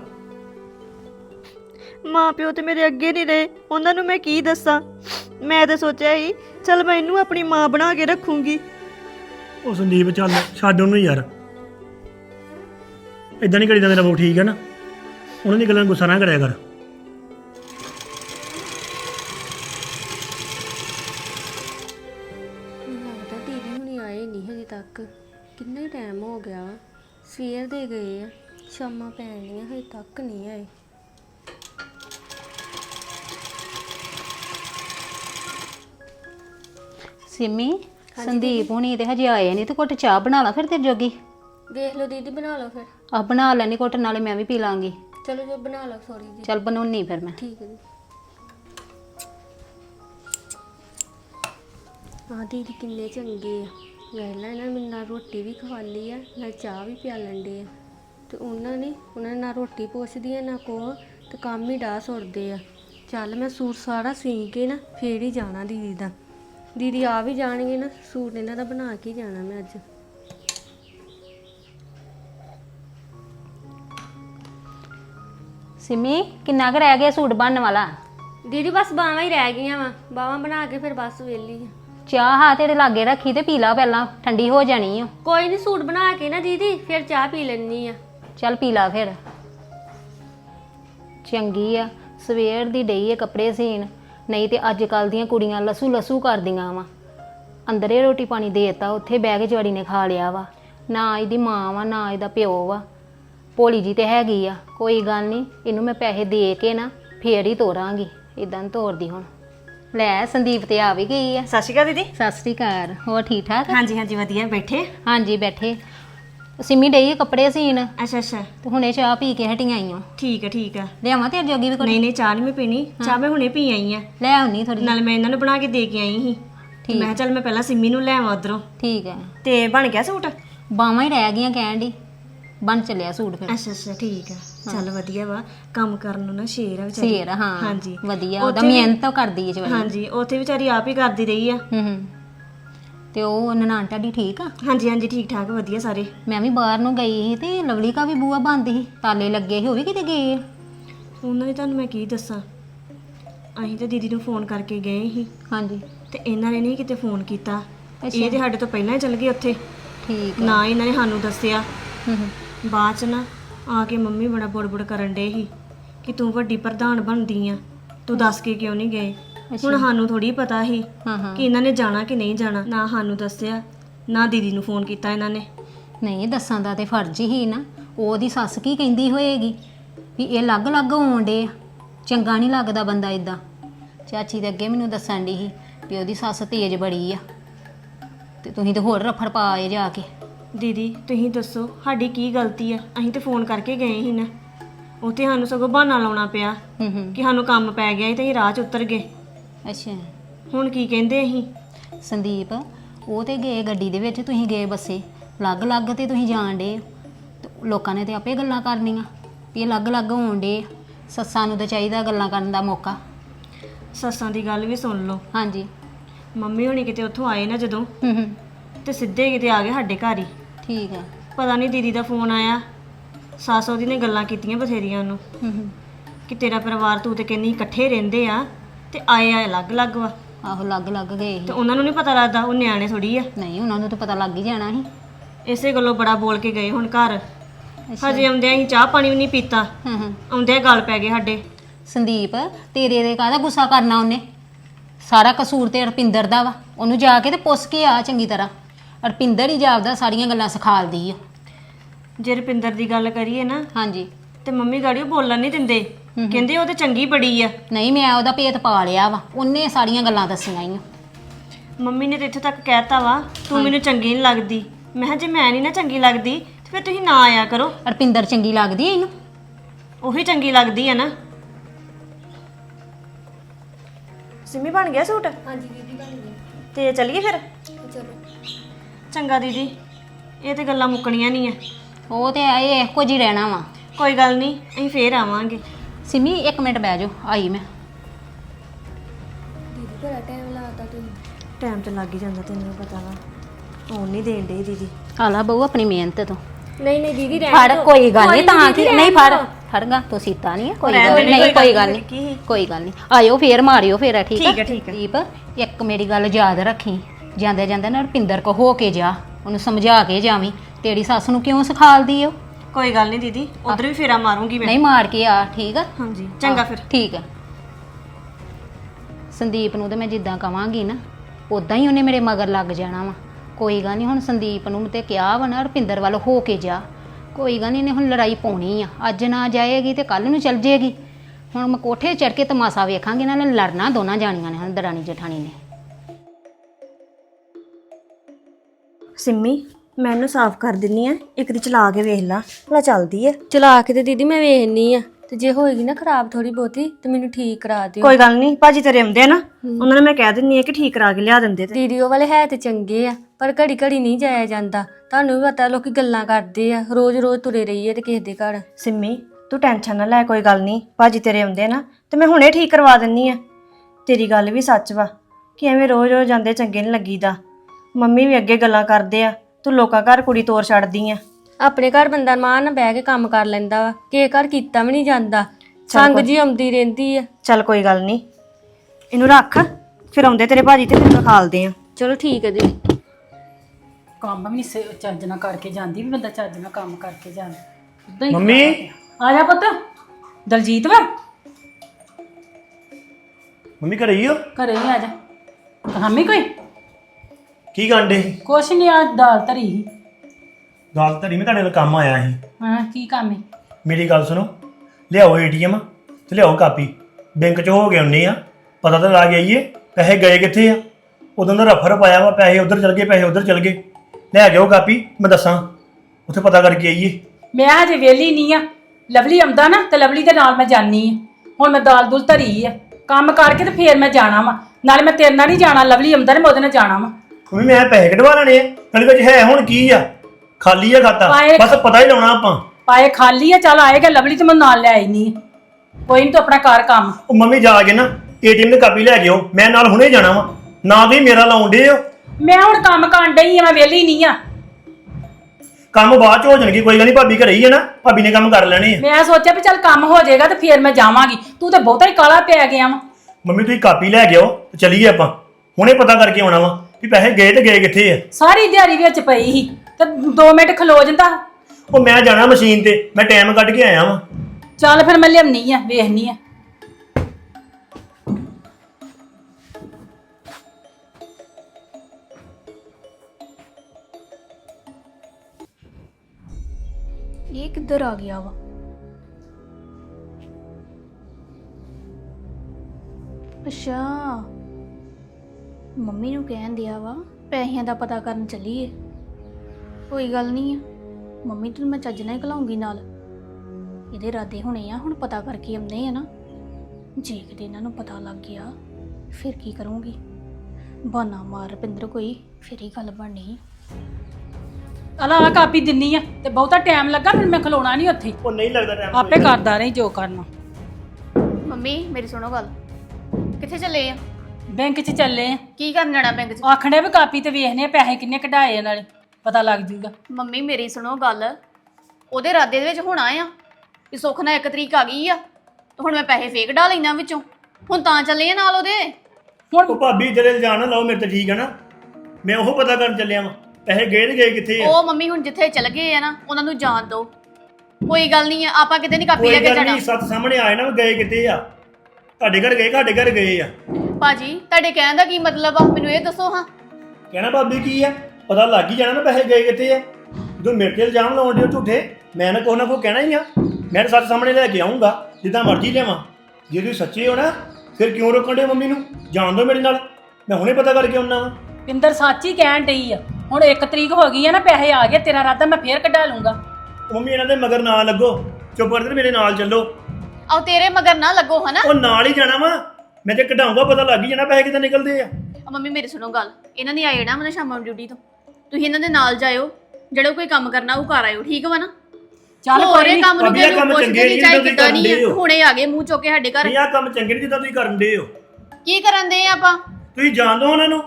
Speaker 3: ਮਾਂ ਪਿਓ ਤੇ ਮੇਰੇ ਅੱਗੇ ਨਹੀਂ ਰਹੇ, ਉਹਨਾਂ ਨੂੰ ਮੈਂ ਕੀ ਦੱਸਾਂ? ਮੈਂ ਤਾਂ ਸੋਚਿਆ ਸੀ ਚਲ ਮੈਂ ਇਹਨੂੰ ਆਪਣੀ ਮਾਂ ਬਣਾ ਕੇ ਰੱਖੂੰਗੀ।
Speaker 5: ਉਹ ਸੰਦੀਪ ਚੱਲ ਛੱਡ ਉਹਨੂੰ ਯਾਰ, ਇਦਾਂ ਨਹੀਂ ਕਰੀਦਾ ਮੇਰਾ ਬਹੁਤ, ਠੀਕ ਹੈ ਨਾ? ਉਹਨਾਂ ਦੀ ਗੱਲਾਂ ਨੂੰ ਗੁੱਸਾ ਨਾ ਕਰਿਆ ਕਰ।
Speaker 6: ਲੱਗਦਾ ਦੀਦੀ ਹੁਣੀ ਆਏ ਨਹੀਂ ਹਜੇ ਤੱਕ। ਕਿੰਨਾ ਹੀ ਟਾਈਮ ਹੋ ਗਿਆ, ਸਵੇਰ ਦੇ ਗਏ ਆ, ਸ਼ਾਮਾਂ ਪੈਣ ਦੀਆਂ ਹਜੇ ਤੱਕ ਨਹੀਂ ਆਏ।
Speaker 7: ਸਿੰਮੀ, ਸੰਦੀਪ ਹੁਣੀ ਤੇ ਹਜੇ ਆਏ ਨਹੀਂ, ਤੇ ਘੁੱਟ ਚਾਹ ਬਣਾ ਲਾ ਫਿਰ ਤੇਰੇ ਜੋਗੀ।
Speaker 6: ਵੇਖ ਲਓ ਦੀਦੀ, ਬਣਾ ਲਓ ਫਿਰ।
Speaker 7: ਆ ਬਣਾ ਲੈਣੀ ਘੁੱਟ, ਨਾਲੇ ਮੈਂ ਵੀ ਪੀ ਲਾਂਗੀ।
Speaker 6: ਚਲੋ ਜੋ ਬਣਾ ਲਓ ਥੋੜੀ ਜੀ।
Speaker 7: ਚੱਲ ਬਣਾਉਣੀ ਫਿਰ ਮੈਂ।
Speaker 6: ਠੀਕ ਹੈ ਜੀ। ਆ ਦੀਦੀ ਕਿੰਨੇ ਚੰਗੇ ਆ, ਵੇਖਲਾ ਇਹਨਾਂ ਨੇ ਮੈਨੂੰ ਨਾਲ ਰੋਟੀ ਵੀ ਖਵਾ ਲਈ ਆ, ਨਾਲ ਚਾਹ ਵੀ ਪਿਆ ਲੈਂਦੇ ਆ। ਤੇ ਉਹਨਾਂ ਨੇ ਉਹਨਾਂ ਨੇ ਨਾ ਰੋਟੀ ਪੁੱਛਦੀ ਆ ਨਾ ਕੋ, ਤੇ ਕੰਮ ਹੀ ਡਾਹ ਸੁੱਟਦੇ ਆ। ਚੱਲ ਮੈਂ ਸੂਟ ਸਾਰਾ ਸੀ ਕੇ ਨਾ ਫੇਰ ਹੀ ਜਾਣਾ ਦੀਦੀ ਦਾ। ਦੀਦੀ ਆ ਵੀ ਜਾਣਗੇ ਨਾ, ਸੂਟ ਇਹਨਾਂ ਦਾ ਬਣਾ ਕੇ ਜਾਣਾ ਮੈਂ ਅੱਜ।
Speaker 7: ਸਿੰਮੀ, ਕਿੰਨਾ ਕੁ ਰਹਿ ਗਿਆ ਸੂਟ ਬਣਨ ਵਾਲਾ?
Speaker 6: ਦੀਦੀ ਬਸ ਬਾਵਾਂ ਹੀ ਰਹਿ ਗਈਆਂ ਵਾ, ਬਾਵਾਂ ਬਣਾ ਕੇ ਫਿਰ ਬਸ ਵਿਹਲੀ ਆ।
Speaker 7: ਚਾਹ ਹਾਂ ਤੇਰੇ ਲਾਗੇ ਰੱਖੀ ਤੇ ਪੀ ਲਾ, ਪਹਿਲਾਂ ਠੰਡੀ ਹੋ ਜਾਣੀ ਆ।
Speaker 6: ਕੋਈ ਨਹੀਂ, ਸੂਟ ਬਣਾ ਕੇ ਨਾ ਦੀਦੀ ਫਿਰ ਚਾਹ ਪੀ ਲੈਣੀ ਆ।
Speaker 7: ਚੱਲ ਪੀ ਲਾ ਫਿਰ। ਚੰਗੀ ਆ, ਸਵੇਰ ਦੀ ਡਈ ਏ ਕੱਪੜੇ ਸੀਣ, ਨਹੀਂ ਤੇ ਅੱਜ ਕੱਲ ਦੀਆਂ ਕੁੜੀਆਂ ਲਸੂ ਲਸੂ ਕਰਦੀਆਂ ਵਾ। ਅੰਦਰੇ ਰੋਟੀ ਪਾਣੀ ਦੇਤਾ, ਉੱਥੇ ਬਹਿ ਕੇ ਜਵਾੜੀ ਨੇ ਖਾ ਲਿਆ ਵਾ। ਨਾ ਇਹਦੀ ਮਾਂ ਵਾ ਨਾ ਇਹਦਾ ਪਿਓ ਵਾ, ਭੋਲੀ ਜੀ ਤੇ ਹੈਗੀ ਆ। ਕੋਈ ਗੱਲ ਨਹੀਂ, ਇਹਨੂੰ ਮੈਂ ਪੈਸੇ ਦੇ ਕੇ ਨਾ ਫੇਰ ਹੀ ਤੋਰਾਂਗੀ, ਇਦਾਂ ਨੀ ਤੋਰਦੀ ਹੁਣ। ਲੈ ਸੰਦੀਪ ਤੇ ਆ ਵੀ ਗਈ ਆ।
Speaker 2: ਸਤਿ ਸ਼੍ਰੀ ਅਕਾਲ ਦੀਦੀ।
Speaker 7: ਸਤਿ ਸ੍ਰੀ ਅਕਾਲ, ਹੋਰ ਠੀਕ ਠਾਕ?
Speaker 2: ਹਾਂਜੀ ਹਾਂਜੀ ਵਧੀਆ, ਬੈਠੇ?
Speaker 7: ਹਾਂਜੀ ਬੈਠੇ। ਸਿੰਮੀ ਡਈ ਆ ਕੱਪੜੇ ਸੀਣ,
Speaker 2: ਅੱਛਾ ਅੱਛਾ,
Speaker 7: ਤੇ ਹੁਣੇ ਚਾਹ ਪੀ ਕੇ ਹਟੀਆਂ ਆਈਆਂ।
Speaker 2: ਠੀਕ ਹੈ ਠੀਕ ਹੈ।
Speaker 7: ਲਿਆਵਾਂ ਤੇਰੇ ਜੋਗੀ ਵੀ ਕੋਈ?
Speaker 2: ਨਹੀਂ ਨਹੀਂ, ਚਾਹ ਨਹੀਂ ਮੈਂ ਪੀਣੀ, ਚਾਹ ਮੈਂ ਹੁਣੇ ਪੀ ਆਈ ਆ।
Speaker 7: ਲੈ ਆਉਣੀ ਥੋੜੀ।
Speaker 2: ਨਾਲ ਮੈਂ ਇਹਨਾਂ ਨੂੰ ਬਣਾ ਕੇ ਦੇ ਕੇ ਆਈ ਸੀ।
Speaker 7: ਠੀਕ।
Speaker 2: ਮੈਂ ਕਿਹਾ ਚੱਲ ਮੈਂ ਪਹਿਲਾਂ ਸਿੰਮੀ ਨੂੰ ਲੈ ਆਵਾਂ ਉਧਰੋਂ।
Speaker 7: ਠੀਕ ਹੈ।
Speaker 2: ਤੇ ਬਣ ਗਿਆ ਸੂਟ?
Speaker 7: ਬਾਵਾਂ ਹੀ ਰਹਿ ਗਈਆਂ ਕਹਿਣ ਦੀ, ਬਣ ਚੱਲਿਆ ਸੂਟ ਫਿਰ।
Speaker 2: ਅੱਛਾ ਅੱਛਾ ਠੀਕ ਆ, ਚੱਲ ਵਧੀਆ ਵਾ। ਕੰਮ ਕਰਨ ਨੂੰ ਨਾ ਸ਼ੇਰ ਆ ਵਿਚਾਰੀ।
Speaker 7: ਸ਼ੇਰ, ਹਾਂ
Speaker 2: ਹਾਂਜੀ
Speaker 7: ਵਧੀਆ, ਉਹਦਾ
Speaker 2: ਉੱਥੇ ਵੀ-
Speaker 7: ਮਿਹਨਤ ਤਾਂ ਕਰਦੀ ਹੈ ਜਵਾਈ।
Speaker 2: ਹਾਂਜੀ, ਉੱਥੇ ਵਿਚਾਰੀ ਆਪ ਹੀ ਕਰਦੀ ਰਹੀ ਆ।
Speaker 7: ਹੂੰ ਹੂੰ। ਤੇ ਉਹ ਨਨਾਣ ਤੁਹਾਡੀ ਠੀਕ ਆ?
Speaker 2: ਹਾਂਜੀ ਹਾਂਜੀ ਠੀਕ ਠਾਕ ਵਧੀਆ ਸਾਰੇ।
Speaker 7: ਮੈਂ ਵੀ ਬਾਹਰ ਨੂੰ ਗਈ ਸੀ ਤੇ ਲਵਲੀ ਕਾ ਵੀ ਬੂਆ ਬੰਦ ਸੀ, ਤਾਲੇ ਲੱਗੇ ਸੀ, ਉਹ ਵੀ ਕਿਤੇ ਗਏ ਆ?
Speaker 2: ਉਹਨਾਂ ਨੇ ਤੁਹਾਨੂੰ ਮੈਂ ਕੀ ਦੱਸਾਂ, ਅਸੀਂ ਤਾਂ ਦੀਦੀ ਨੂੰ ਫੋਨ ਕਰਕੇ ਗਏ ਸੀ
Speaker 7: ਹਾਂਜੀ।
Speaker 2: ਤੇ ਇਹਨਾਂ ਨੇ ਨਹੀਂ ਕਿਤੇ ਫੋਨ ਕੀਤਾ।
Speaker 7: ਅੱਛਾ।
Speaker 2: ਇਹ ਤੇ ਸਾਡੇ ਤੋਂ ਪਹਿਲਾਂ ਹੀ ਚਲ ਗਏ ਉੱਥੇ,
Speaker 7: ਠੀਕ।
Speaker 2: ਨਾ ਇਹਨਾਂ ਨੇ ਸਾਨੂੰ ਦੱਸਿਆ।
Speaker 7: ਹੂੰ ਹੂੰ।
Speaker 2: ਬਾਅਦ ਚ ਨਾ ਆ ਕੇ ਮੰਮੀ ਬੜਾ ਬੁੜਬੁੜ ਕਰਨ ਡੇ ਸੀ ਕਿ ਤੂੰ ਵੱਡੀ ਪ੍ਰਧਾਨ ਬਣਦੀ ਆ, ਤੂੰ ਦੱਸ ਕੇ ਕਿਉਂ ਨਹੀਂ ਗਏ। ਹੁਣ ਸਾਨੂੰ ਥੋੜੀ ਪਤਾ ਸੀ
Speaker 7: ਹਾਂ ਹਾਂ।
Speaker 2: ਕਿ ਇਹਨਾਂ ਨੇ ਜਾਣਾ ਕਿ ਨਹੀਂ ਜਾਣਾ, ਨਾ ਸਾਨੂੰ ਦੱਸਿਆ ਨਾ ਦੀਦੀ ਨੂੰ ਫੋਨ ਕੀਤਾ ਇਹਨਾਂ ਨੇ।
Speaker 7: ਨਹੀਂ ਦੱਸਾਂ ਦਾ ਤੇ ਫਰਜ਼ ਹੀ ਨਾ। ਉਹਦੀ ਸੱਸ ਕੀ ਕਹਿੰਦੀ ਹੋਏਗੀ ਵੀ ਇਹ ਅਲੱਗ-ਅਲੱਗ ਹੋਣ ਡੇ ਆ, ਚੰਗਾ ਨਹੀਂ ਲੱਗਦਾ ਬੰਦਾ ਇਦਾਂ। ਚਾਚੀ ਦੇ ਅੱਗੇ ਮੈਨੂੰ ਦੱਸਣ ਦੀ ਸੀ ਵੀ ਉਹਦੀ ਸੱਸ ਤੇਜ਼ ਬੜੀ ਆ, ਤੇ ਤੁਸੀਂ ਤੇ ਹੋਰ ਰਫੜ ਪਾਏ ਜਾ ਕੇ।
Speaker 2: ਦੀਦੀ ਤੁਸੀਂ ਦੱਸੋ ਸਾਡੀ ਕੀ ਗਲਤੀ ਆ? ਅਸੀਂ ਤੇ ਫੋਨ ਕਰਕੇ ਗਏ ਸੀ ਨਾ, ਉੱਥੇ ਸਾਨੂੰ ਸਗੋਂ ਬਹਾਨਾ ਲਾਉਣਾ ਪਿਆ
Speaker 7: ਹੂੰ ਹੂੰ।
Speaker 2: ਕਿ ਸਾਨੂੰ ਕੰਮ ਪੈ ਗਿਆ ਸੀ ਤੇ ਅਸੀਂ ਰਾਹ 'ਚ ਉਤਰ ਗਏ।
Speaker 7: ਅੱਛਾ।
Speaker 2: ਹੁਣ ਕੀ ਕਹਿੰਦੇ ਅਸੀਂ?
Speaker 7: ਸੰਦੀਪ, ਉਹ ਤੇ ਗਏ ਗੱਡੀ ਦੇ ਵਿੱਚ, ਤੁਸੀਂ ਗਏ ਬੱਸੇ, ਅਲੱਗ-ਅਲੱਗ ਤੇ ਤੁਸੀਂ ਜਾਣ ਡੇ। ਲੋਕਾਂ ਨੇ ਤੇ ਆਪੇ ਗੱਲਾਂ ਕਰਨੀਆਂ ਵੀ ਇਹ ਅਲੱਗ-ਅਲੱਗ ਹੋਣ ਡੇ। ਸੱਸਾਂ ਨੂੰ ਤਾਂ ਚਾਹੀਦਾ ਗੱਲਾਂ ਕਰਨ ਦਾ ਮੌਕਾ।
Speaker 2: ਸੱਸਾਂ ਦੀ ਗੱਲ ਵੀ ਸੁਣ ਲਓ।
Speaker 7: ਹਾਂਜੀ।
Speaker 2: ਮੰਮੀ ਹੋਣੀ ਕਿਤੇ ਉੱਥੋਂ ਆਏ ਨਾ ਜਦੋਂ,
Speaker 7: ਹੂੰ ਹੂੰ।
Speaker 2: ਤੇ ਸਿੱਧੇ ਕਿਤੇ ਆ ਗਏ ਸਾਡੇ ਘਰ ਹੀ।
Speaker 7: ਠੀਕ ਹੈ।
Speaker 2: ਪਤਾ ਨਹੀਂ ਦੀਦੀ ਦਾ ਫੋਨ ਆਇਆ, ਸੱਸ ਉਹਦੀ ਨੇ ਗੱਲਾਂ ਕੀਤੀਆਂ ਬਥੇਰੀਆਂ ਉਹਨੂੰ
Speaker 7: ਹੂੰ ਹੂੰ।
Speaker 2: ਕਿ ਤੇਰਾ ਪਰਿਵਾਰ ਤੂੰ ਤੇ ਕਹਿੰਦੀ ਇਕੱਠੇ ਰਹਿੰਦੇ ਆ,
Speaker 3: ਤੇ ਆਏ ਆਏ ਅਲੱਗ-ਅਲੱਗ ਵਾ
Speaker 7: ਆਹੋ ਲੱਗ ਲੱਗ ਗਏ
Speaker 3: ਤੇ
Speaker 7: ਸੀ।
Speaker 3: ਉਹਨਾਂ ਨੂੰ ਨਹੀਂ ਪਤਾ ਲੱਗਦਾ, ਉਹ ਨਿਆਣੇ ਥੋੜੀ ਆ।
Speaker 7: ਨਹੀਂ ਉਹਨਾਂ ਨੂੰ ਤਾਂ ਪਤਾ ਲੱਗ ਹੀ ਜਾਣਾ ਸੀ।
Speaker 3: ਇਸੇ ਗੱਲੋਂ ਬੜਾ ਬੋਲ ਕੇ ਗਏ ਹੁਣ ਘਰ। ਹਜੇ ਆਉਂਦਿਆਂ ਅਸੀਂ ਚਾਹ ਪਾਣੀ ਵੀ ਨਹੀਂ ਪੀਤਾ,
Speaker 7: ਹੂੰ ਹੂੰ
Speaker 3: ਆਉਂਦਿਆਂ ਗੱਲ ਪੈ ਗਏ ਸਾਡੇ।
Speaker 7: ਸੰਦੀਪ ਤੇਰੇ ਦੇ ਕਾਹਦਾ ਗੁੱਸਾ ਕਰਨਾ ਉਹਨੇ? ਸਾਰਾ ਕਸੂਰ ਤੇ ਰਪਿੰਦਰ ਦਾ ਵਾ। ਉਹਨੂੰ ਜਾ ਕੇ ਤੇ ਪੁੱਛ ਕੇ ਆ ਚੰਗੀ ਤਰ੍ਹਾਂ। ਰਪਿੰਦਰ ਹੀ ਜਾਪਦਾ ਸਾਰੀਆਂ ਗੱਲਾਂ ਸਿਖਾਲਦੀ ਆ।
Speaker 3: ਜੇ ਰੁਪਿੰਦਰ ਦੀ ਗੱਲ ਕਰੀਏ ਨਾ
Speaker 7: ਹਾਂਜੀ
Speaker 3: ਤੇ ਮੰਮੀ ਗਾੜੀ ਉਹ ਬੋਲਣ ਨਹੀਂ ਦਿੰਦੇ, ਕਹਿੰਦੇ ਉਹ ਤੇ ਚੰਗੀ ਬੜੀ ਆ।
Speaker 7: ਨਹੀਂ ਮੈਂ ਉਹਦਾ ਭੇਤ ਪਾ ਲਿਆ ਵਾ, ਉਹਨੇ ਸਾਰੀਆਂ ਗੱਲਾਂ ਦੱਸੀਆਂ ਹੀ ਆ।
Speaker 3: ਮੰਮੀ ਨੇ ਤੇ ਇੱਥੇ ਤੱਕ ਕਹਿਤਾ ਵਾ ਤੂੰ ਮੈਨੂੰ ਚੰਗੀ ਨਹੀਂ ਲੱਗਦੀ। ਮੈਂ ਕਿਹਾ ਜੇ ਮੈਂ ਨਹੀਂ ਨਾ ਚੰਗੀ ਲੱਗਦੀ ਤੇ ਫਿਰ ਤੁਸੀਂ ਨਾ ਆਇਆ ਕਰੋ।
Speaker 7: ਰਪਿੰਦਰ ਚੰਗੀ ਲੱਗਦੀ ਐ ਇਹਨੂੰ?
Speaker 3: ਉਹੀ ਚੰਗੀ ਲੱਗਦੀ ਆ ਨਾ। ਸਿੰਮੀ ਬਣ ਗਿਆ ਸੂਟ?
Speaker 6: ਹਾਂਜੀ ਦੀਦੀ ਬਣ ਗਈ।
Speaker 3: ਤੇ ਚੱਲੀਏ ਫਿਰ?
Speaker 6: ਚਲੋ
Speaker 3: ਚੰਗਾ ਦੀਦੀ, ਇਹ ਤੇ ਗੱਲਾਂ ਮੁੱਕਣੀਆਂ ਨਹੀਂ ਆ।
Speaker 7: ਉਹ ਤੇ ਇਹ ਇਹੋ ਜਿਹੀ ਰਹਿਣਾ ਵਾ।
Speaker 3: ਕੋਈ ਗੱਲ ਨਹੀਂ, ਅਸੀਂ ਫੇਰ ਆਵਾਂਗੇ।
Speaker 7: ਸਿਮੀ ਇੱਕ ਮਿੰਟ ਬਹਿ ਜਾਓ, ਆਈ ਮੈਂ।
Speaker 6: ਦੀਦੀ ਬੜਾ ਟਾਈਮ ਲਾਤਾ ਤੁਸੀਂ।
Speaker 3: ਟਾਈਮ ਤੇ ਲੱਗ ਹੀ ਜਾਂਦਾ, ਤੈਨੂੰ ਪਤਾ ਵਾ। ਉਹ ਨਹੀਂ ਦੇਣ ਦੇ ਦੀਦੀ।
Speaker 7: ਆਲਾ ਬਹੂ ਆਪਣੀ ਮਿਹਨਤ ਤੋਂ
Speaker 6: ਨਹੀਂ ਨਹੀਂ ਦੀਦੀ ਰਹਿਣ
Speaker 7: ਫੜ,
Speaker 6: ਦਿਓ।
Speaker 7: ਕੋਈ ਗੱਲ ਨਹੀਂ ਤਾਂ
Speaker 6: ਦੀਦੀ
Speaker 7: ਕਿ
Speaker 6: ਰਹਿਣ
Speaker 7: ਨਹੀਂ ਫੜ
Speaker 6: ਦਿਓ।
Speaker 7: ਫੜਗਾ ਤੂੰ ਸੀਤਾ ਨਹੀਂ ਹੈ, ਕੋਈ
Speaker 3: ਰਹਿਣ
Speaker 7: ਗੱਲ
Speaker 3: ਦੇ,
Speaker 7: ਨਹੀਂ, ਕੋਈ ਗੱਲ ਨਹੀਂ,
Speaker 3: ਕੀ?
Speaker 7: ਕੋਈ ਗੱਲ ਨਹੀਂ। ਆਇਓ ਫੇਰ ਮਾਰਿਓ ਫੇਰ, ਠੀਕ
Speaker 3: ਠੀਕ ਹੈ, ਠੀਕ ਹੈ।
Speaker 7: ਦੀਪ ਇੱਕ ਮੇਰੀ ਗੱਲ ਯਾਦ ਰੱਖੀ, ਜਾਂਦੇ ਜਾਂਦੇ ਨਾ ਰਪਿੰਦਰ ਕੋ ਹੋ ਕੇ ਜਾ, ਉਹਨੂੰ ਸਮਝਾ ਕੇ ਜਾਵੀਂ। ਤੇਰੀ ਸੱਸ ਨੂੰ ਕਿਉਂ ਸਿਖਾਲਦੀ ਓ?
Speaker 3: ਕੋਈ ਗੱਲ ਨਹੀਂ ਦੀਦੀ, ਉਧਰ ਵੀ ਫੇਰਾ ਮਾਰੂੰਗੀ ਮੈਂ।
Speaker 7: ਨਹੀਂ ਮਾਰ ਕੇ ਆ, ਠੀਕ ਆ?
Speaker 3: ਹਾਂਜੀ ਚੰਗਾ ਫਿਰ।
Speaker 7: ਠੀਕ ਹੈ। ਸੰਦੀਪ ਨੂੰ ਤੇ ਮੈਂ ਜਿੱਦਾਂ ਕਵਾਂਗੀ ਨਾ ਉਦਾਂ ਹੀ ਉਹਨੇ ਮੇਰੇ ਮਗਰ ਲੱਗ ਜਾਣਾ ਵਾ। ਕੋਈ ਗੱਲ ਨਹੀਂ, ਹੁਣ ਸੰਦੀਪ ਨੂੰ ਤੇ ਕਿਹਾ ਵਾ ਨਾ ਰਪਿੰਦਰ ਵੱਲ ਹੋ ਕੇ ਜਾ। ਕੋਈ ਗੱਲ ਨਹੀਂ, ਇਹਨੇ ਹੁਣ ਲੜਾਈ ਪਾਉਣੀ ਆ। ਅੱਜ ਨਾ ਜਾਏਗੀ ਤੇ ਕੱਲ ਨੂੰ ਚੱਲ ਜਾਏਗੀ। ਹੁਣ ਮੈਂ ਕੋਠੇ ਚੜ ਕੇ ਤਮਾਸ਼ਾ ਵੇਖਾਂਗੇ, ਇਹਨਾਂ ਨੇ ਲੜਨਾ ਦੋਨਾਂ ਜਾਣੀਆਂ ਨੇ, ਹੁਣ ਦਰਾਣੀ ਜਠਾਣੀ ਨੇ।
Speaker 3: ਸਿੰਮੀ ਮੈਂ ਇਹਨੂੰ ਸਾਫ਼ ਕਰ ਦਿੰਨੀ ਆ, ਇੱਕ ਦੀ ਚਲਾ ਕੇ ਵੇਖ ਲਾ ਭਲਾ ਚੱਲਦੀ ਆ।
Speaker 6: ਚਲਾ ਕੇ ਤੇ ਦੀਦੀ ਮੈਂ ਵੇਖਣੀ ਆ, ਤੇ ਜੇ ਹੋਏਗੀ ਨਾ ਖਰਾਬ ਥੋੜੀ ਬਹੁਤੀ ਤੇ ਮੈਨੂੰ ਠੀਕ ਕਰਾ ਦਿਓ।
Speaker 3: ਕੋਈ ਗੱਲ ਨਹੀਂ, ਭਾਜੀ ਤੇਰੇ ਆਉਂਦੇ ਆ ਨਾ, ਉਹਨਾਂ ਨੂੰ ਮੈਂ ਕਹਿ ਦਿੰਨੀ ਆ ਕਿ ਠੀਕ ਕਰਾ ਕੇ ਲਿਆ ਦਿੰਦੇ। ਤੇ
Speaker 6: ਦੀਦੀ ਉਹ ਵਾਲੇ ਹੈ ਤੇ ਚੰਗੇ ਆ, ਪਰ ਘੜੀ ਘੜੀ ਨਹੀਂ ਜਾਇਆ ਜਾਂਦਾ। ਤੁਹਾਨੂੰ ਵੀ ਪਤਾ ਲੋਕੀ ਗੱਲਾਂ ਕਰਦੇ ਆ, ਰੋਜ਼ ਰੋਜ਼ ਤੁਰੇ ਰਹੀਏ ਤੇ ਕਿਸੇ ਦੇ ਘਰ।
Speaker 3: ਸਿੰਮੀ ਤੂੰ ਟੈਨਸ਼ਨ ਨਾ ਲੈ, ਕੋਈ ਗੱਲ ਨਹੀਂ, ਭਾਜੀ ਤੇਰੇ ਆਉਂਦੇ ਆ ਨਾ ਤੇ ਮੈਂ ਹੁਣੇ ਠੀਕ ਕਰਵਾ ਦਿੰਨੀ ਆ। ਤੇਰੀ ਗੱਲ ਵੀ ਸੱਚ ਵਾ ਕਿ ਐਵੇਂ ਰੋਜ਼ ਰੋਜ਼ ਜਾਂਦੇ ਚੰਗੇ ਨਹੀਂ ਲੱਗੀਦਾ। ਮੰਮੀ ਵੀ ਅੱਗੇ ਗੱਲਾਂ ਕਰਦੇ ਆ, ਤੂੰ ਲੋਕਾਂ ਘਰ ਕੁੜੀ ਤੋਰ ਛੱਡਦੀ ਆ।
Speaker 6: ਆਪਣੇ ਘਰ ਬੰਦਾ ਮਾਂ ਨਾਲ ਬਹਿ ਕੇ ਕੰਮ ਕਰ ਲੈਂਦਾ ਵਾ, ਕਿਸੇ ਘਰ ਕੀਤਾ ਵੀ ਨਹੀਂ ਜਾਂਦਾ। ਸੰਗ ਜੀ ਆਉਂਦੀ ਰਹਿੰਦੀ ਆ।
Speaker 3: ਚੱਲ ਕੋਈ ਗੱਲ ਨਹੀਂ, ਇਹਨੂੰ ਰੱਖ, ਫਿਰ ਆਉਂਦੇ ਤੇਰੇ ਭਾਜੀ ਤੇ ਫਿਰ ਖਾਲਦੇ ਆ।
Speaker 6: ਚਲੋ ਠੀਕ ਹੈ ਦੀਦੀ।
Speaker 1: ਕੰਮ ਵੀ ਸੇ ਚੱਜ ਨਾਲ ਕਰਕੇ ਜਾਂਦੀ, ਵੀ ਬੰਦਾ ਚੱਜ ਨਾਲ ਕੰਮ ਕਰਕੇ ਜਾਂਦਾ। ਏਦਾਂ ਹੀ
Speaker 5: ਮੰਮੀ
Speaker 1: ਆ ਜਾ ਪੁੱਤ। ਦਲਜੀਤ ਵਾ
Speaker 5: ਮੰਮੀ ਘਰੇ ਹੀ ਹੋ?
Speaker 1: ਘਰੇ ਹੀ ਆ ਜਾ। ਕਹਾਮੀ ਕੋਈ
Speaker 5: ਕੀ ਗਾਂਡੇ?
Speaker 1: ਕੁਛ ਨਹੀਂ, ਆ ਦਾਲ ਧਰੀ ਸੀ।
Speaker 5: ਗੱਲ ਧਰੀ, ਮੈਂ ਤੁਹਾਡੇ ਨਾਲ ਕੰਮ ਆਇਆ ਸੀ।
Speaker 1: ਹਾਂ ਕੀ ਕੰਮ ਹੈ?
Speaker 5: ਮੇਰੀ ਗੱਲ ਸੁਣੋ, ਲਿਆਓ ਏਟੀਐਮ ਤੇ ਲਿਆਓ ਕਾਪੀ। ਬੈਂਕ 'ਚ ਹੋ ਗਏ ਹੁੰਨੇ ਆ, ਪਤਾ ਤਾਂ ਲੱਗ ਆਈਏ ਪੈਸੇ ਗਏ ਕਿੱਥੇ ਆ। ਉਦੋਂ ਦਾ ਰਫਰ ਪਾਇਆ ਵਾ, ਪੈਸੇ ਉੱਧਰ ਚਲ ਗਏ, ਪੈਸੇ ਉੱਧਰ ਚਲ ਗਏ। ਲੈ ਜਾਓ ਕਾਪੀ, ਮੈਂ ਦੱਸਾਂ ਉੱਥੇ ਪਤਾ ਕਰਕੇ ਆਈਏ।
Speaker 1: ਮੈਂ ਹਜੇ ਵਿਹਲੀ ਨਹੀਂ ਆ। ਲਵਲੀ ਆਉਂਦਾ ਨਾ ਤੇ ਲਵਲੀ ਦੇ ਨਾਲ ਮੈਂ ਜਾਨੀ ਆ। ਹੁਣ ਮੈਂ ਦਾਲ ਦੁਲ ਧਰੀ ਆ, ਕੰਮ ਕਰਕੇ ਤੇ ਫੇਰ ਮੈਂ ਜਾਣਾ ਵਾ। ਨਾਲੇ ਮੈਂ ਤੇਰੇ ਨਾਲ ਨਹੀਂ ਜਾਣਾ, ਲਵਲੀ ਆਉਂਦਾ ਨੇ ਮੈਂ ਉਹਦੇ ਨਾਲ ਜਾਣਾ ਵਾ।
Speaker 5: ਮੰਮੀ ਮੈਂ ਪੈਸੇ ਕਢਵਾ ਲੈਣੇ ਆ, ਨਾਲੇ ਵਿੱਚ ਹੈ ਹੁਣ ਕੀ ਆ? ਖਾਲੀ ਆ ਖਾਤਾ,
Speaker 1: ਪਾਏ-
Speaker 5: ਬਸ ਪਤਾ ਹੀ ਲਾਉਣਾ ਆਪਾਂ।
Speaker 1: ਪਾਏ ਖਾਲੀ ਆ, ਚੱਲ ਆਏਗਾ ਲਵਲੀ ਤੇ ਮੈਂ ਨਾਲ ਲੈ ਆਈ ਨਹੀਂ। ਕੋਈ ਨਹੀਂ, ਤੂੰ ਆਪਣਾ ਘਰ ਕੰਮ।
Speaker 5: ਉਹ ਮੰਮੀ ਜਾ ਕੇ ਨਾ ਏਟੀਐਮ ਦੀ ਕਾਪੀ ਲੈ ਗਿਓ, ਮੈਂ ਨਾਲ ਹੁਣੇ ਜਾਣਾ ਵਾ। ਨਾ ਤੁਸੀਂ ਮੇਰਾ ਲਾਉਂਦੇ ਹੋ।
Speaker 1: ਮੈਂ ਹੁਣ ਕੰਮ ਕਰਨ ਡਈ ਆ, ਮੈਂ ਵਿਹਲੀ ਨਹੀਂ ਆ।
Speaker 5: ਕੰਮ ਬਾਅਦ ਚ ਹੋ ਜਾਣਗੇ, ਕੋਈ ਗੱਲ ਨਹੀਂ। ਭਾਬੀ ਘਰੇ ਹੀ ਹੈ ਨਾ, ਭਾਬੀ ਨੇ ਕੰਮ ਕਰ ਲੈਣੇ ਆ।
Speaker 1: ਮੈਂ ਸੋਚਿਆ ਵੀ ਚੱਲ ਕੰਮ ਹੋ ਜਾਏਗਾ ਤੇ ਫੇਰ ਮੈਂ ਜਾਵਾਂਗੀ। ਤੂੰ ਤੇ ਬਹੁਤਾ ਹੀ ਕਾਲਾ ਪੈ ਗਿਆ ਵਾ।
Speaker 5: ਮੰਮੀ ਤੁਸੀਂ ਕਾਪੀ ਲੈ ਗਿਓ ਤੇ ਚਲੀਏ ਆਪਾਂ। ਹੁਣੇ ਪਤਾ ਕਰਕੇ ਆਉਣਾ ਵਾ ਵੀ ਪੈਸੇ ਗਏ ਤੇ ਗਏ ਕਿੱਥੇ ਆ।
Speaker 1: ਸਾਰੀ ਦਿਹਾੜੀ ਵਿੱਚ ਪਈ ਸੀ ਤੇ ਦੋ ਮਿੰਟ ਖਲੋ ਜਾਂਦਾ।
Speaker 5: ਉਹ ਮੈਂ ਜਾਣਾ ਮਸ਼ੀਨ ਤੇ, ਮੈਂ ਟਾਈਮ ਕੱਢ ਕੇ ਆਇਆ ਵਾਂ।
Speaker 1: ਚੱਲ ਫਿਰ ਮੈਂ ਲਿਆਉਣੀ ਆ, ਵੇਖਣੀ ਆ।
Speaker 4: ਇਹ ਕਿੱਧਰ ਆ ਗਿਆ ਵਾ? ਅੱਛਾ, ਮੰਮੀ ਨੂੰ ਕਹਿਣ ਦਿਆ ਵਾ ਪੈਸਿਆਂ ਦਾ ਪਤਾ ਕਰਨ ਚੱਲੀਏ। ਕੋਈ ਗੱਲ ਨਹੀਂ ਆ, ਮੰਮੀ ਤੈਨੂੰ ਮੈਂ ਚੱਜ ਨਾਲ ਹੀ ਘਲਾਉਂਗੀ ਨਾਲ। ਇਹਦੇ ਇਰਾਦੇ ਹੋਣੇ ਆ, ਹੁਣ ਪਤਾ ਕਰਕੇ ਆਉਂਦੇ ਆ ਨਾ। ਜੇ ਕਿਤੇ ਇਹਨਾਂ ਨੂੰ ਪਤਾ ਲੱਗ ਗਿਆ ਫਿਰ ਕੀ ਕਰੂੰਗੀ? ਬਹਾਨਾ ਮਾਰ ਰੁਪਿੰਦਰ ਕੋਈ, ਫਿਰ ਹੀ ਗੱਲ ਬਣਨੀ।
Speaker 1: ਅਲਾ ਆ ਕਾਪੀ ਦਿੰਨੀ ਆ ਤੇ ਬਹੁਤਾ ਟਾਈਮ ਲੱਗਾ, ਫਿਰ ਮੈਂ ਖਲੋਣਾ ਨਹੀਂ ਉੱਥੇ।
Speaker 5: ਉਹ ਨਹੀਂ ਲੱਗਦਾ ਟਾਈਮ।
Speaker 1: ਆਪੇ ਕਰਦਾ ਰਹੀ ਜੋ ਕਰਨਾ।
Speaker 4: ਮੰਮੀ ਮੇਰੀ ਸੁਣੋ ਗੱਲ, ਕਿੱਥੇ ਚੱਲੇ ਆ?
Speaker 1: ਬੈਂਕ 'ਚ ਚੱਲੇ ਆ।
Speaker 4: ਕੀ ਕਰਨ ਜਾਣਾ ਬੈਂਕ 'ਚ?
Speaker 1: ਆਖਣੇ ਵੀ ਕਾਪੀ ਤੇ ਵੇਖਨੇ ਆ ਪੈਸੇ ਕਿੰਨੇ ਕਢਾਏ ਆ, ਨਾਲੇ ਪਤਾ ਲੱਗ ਜੂਗਾ।
Speaker 4: ਮੰਮੀ ਮੇਰੀ ਸੁਣੋ ਗੱਲ, ਉਹਦੇ ਇਰਾਦੇ ਦੇ ਵਿੱਚ ਹੋਣਾ ਆ ਵੀ ਸੁੱਖ ਨਾਲ ਇੱਕ ਤਰੀਕ ਆ ਗਈ ਆ ਤੇ ਹੁਣ ਮੈਂ ਪੈਸੇ ਫੇਕ ਡਾ ਲੈਣਾ ਵਿੱਚੋਂ। ਹੁਣ ਤਾਂ ਚੱਲੇ ਆ ਨਾਲ ਉਹਦੇ।
Speaker 1: ਹੁਣ
Speaker 5: ਉਹ ਭਾਬੀ ਤੇਰੇ ਇਲਜ਼ਾਮ ਨਾ ਲਾਓ ਮੇਰੇ ਤੇ, ਠੀਕ ਹੈ ਨਾ? ਮੈਂ ਉਹ ਪਤਾ ਕਰਨ ਚੱਲਿਆ ਵਾਂ, ਪੈਸੇ ਗਏ ਤੇ ਗਏ ਕਿੱਥੇ ਆ?
Speaker 4: ਉਹ ਮੰਮੀ ਹੁਣ ਜਿੱਥੇ ਚਲ ਗਏ ਆ ਨਾ ਉਹਨਾਂ ਨੂੰ ਜਾਣ ਦਿਓ, ਕੋਈ ਗੱਲ ਨਹੀਂ ਆ, ਆਪਾਂ ਕਿਤੇ ਨਹੀਂ ਕਾਪੀ ਲੈ
Speaker 5: ਕੋਈ
Speaker 4: ਕੇ
Speaker 5: ਗੱਲ
Speaker 4: ਜਾਣਾ।
Speaker 5: ਨਹੀਂ, ਸੱਤ ਸਾਹਮਣੇ ਆਏ ਨਾ ਵੀ ਗਏ ਕਿੱਥੇ ਆ। ਤੁਹਾਡੇ ਘਰ ਗਏ, ਸਾਡੇ ਘਰ ਗਏ ਆ।
Speaker 4: ਭਾਜੀ ਤੁਹਾਡੇ ਕਹਿਣ ਦਾ ਕੀ ਮਤਲਬ ਆ, ਮੈਨੂੰ ਇਹ ਦੱਸੋ ਹਾਂ।
Speaker 5: ਕਹਿਣਾ ਭਾਬੀ ਕੀ ਆ, ਪਤਾ ਲੱਗ ਹੀ ਜਾਣਾ ਨਾ ਪੈਸੇ ਗਏ ਕਿੱਥੇ ਆ। ਜਦੋਂ ਮੇਰੇ ਤੇ ਇਲਜ਼ਾਮ ਲਾਉਣ ਦਿਓ ਝੂਠੇ, ਮੈਂ ਨਾ ਕੋਈ ਨਾ ਕੋਈ ਕਹਿਣਾ ਹੀ ਆ। ਮੈਂ ਤਾਂ ਸੱਚ ਸਾਹਮਣੇ ਲੈ ਕੇ ਆਉਂਗਾ, ਜਿੱਦਾਂ ਮਰਜ਼ੀ ਲਿਆਵਾਂ। ਜੇ ਤੁਸੀਂ ਸੱਚੇ ਹੋ ਨਾ, ਫਿਰ ਕਿਉਂ ਰੋਕਣ ਦੇ ਮੰਮੀ ਨੂੰ? ਜਾਣ ਦਿਓ ਮੇਰੇ ਨਾਲ, ਮੈਂ ਹੁਣੇ ਪਤਾ ਕਰਕੇ ਆਉਣਾ ਵਾ।
Speaker 1: ਪਿੰਦਰ ਸੱਚ ਹੀ ਕਹਿਣ ਡਈ ਆ। ਹੁਣ ਇੱਕ ਤਰੀਕ ਹੋ ਗਈ ਆ ਨਾ, ਪੈਸੇ ਆ ਗਏ, ਤੇਰਾ ਰਾਦਾ ਮੈਂ ਫੇਰ ਕਢਾ ਲੂੰਗਾ।
Speaker 5: ਮੰਮੀ ਇਹਨਾਂ ਦੇ ਮਗਰ ਨਾ ਲੱਗੋ, ਚੁੱਪ ਕਰਕੇ ਮੇਰੇ ਨਾਲ ਚੱਲੋ।
Speaker 4: ਆਓ ਤੇਰੇ ਮਗਰ ਨਾ ਲੱਗੋ ਹਨਾ।
Speaker 5: ਉਹ ਨਾਲ ਹੀ ਜਾਣਾ ਵਾ, ਮੈਂ ਤੇ ਕਢਾਉਂਗਾ, ਪਤਾ ਲੱਗ ਹੀ ਜਾਣਾ ਪੈਸੇ ਕਿੱਦਾਂ ਨਿਕਲਦੇ ਆ।
Speaker 4: ਆ ਮੰਮੀ ਮੇਰੀ ਸੁਣੋ ਗੱਲ, ਇਹਨਾਂ ਨੇ ਆ ਜਾਣਾ ਮੈਨੂੰ ਸ਼ਾਮਾਂ ਨੂੰ ਡਿਊਟੀ ਤੋਂ, ਤੁਸੀਂ ਇਹਨਾਂ ਦੇ ਨਾਲ ਜਾਇਓ, ਜਿਹੜਾ ਕੋਈ ਕੰਮ ਕਰਨਾ ਉਹ ਕਰ ਆਇਓ, ਠੀਕ ਵਾ ਨਾ?
Speaker 1: ਚੱਲ
Speaker 4: ਹੋਰੇ
Speaker 1: ਕੋਈ ਨੀ,
Speaker 4: ਕੰਮ ਨੂੰ
Speaker 5: ਭਾਬੀ ਆਹ
Speaker 4: ਕਿਹਨੂੰ
Speaker 5: ਕੰਮ
Speaker 4: ਪੁੱਛਦੇ
Speaker 5: ਚੰਗੇ
Speaker 4: ਨਹੀਂ,
Speaker 5: ਨਹੀਂ
Speaker 4: ਚਾਹੇ
Speaker 5: ਜਿੱਦਾਂ
Speaker 4: ਕਿੱਦਾਂ
Speaker 5: ਤੁਸੀਂ
Speaker 4: ਨਹੀਂ
Speaker 5: ਕਰਦੇ
Speaker 4: ਆ,
Speaker 5: ਹੋ।
Speaker 4: ਹੁਣੇ ਆ ਗਏ ਮੂੰਹ ਚੁੱਕ ਕੇ ਸਾਡੇ ਘਰ।
Speaker 5: ਨਹੀਂ, ਆਹ ਕੰਮ ਚੰਗੇ ਨਹੀਂ ਜਿੱਦਾਂ ਤੁਸੀਂ ਕਰਨ ਦੇ ਹੋ।
Speaker 4: ਕੀ ਕਰਨ ਦੇ ਆਪਾਂ?
Speaker 5: ਤੁਸੀਂ ਜਾਣ ਦਿਓ ਉਹਨਾਂ ਨੂੰ।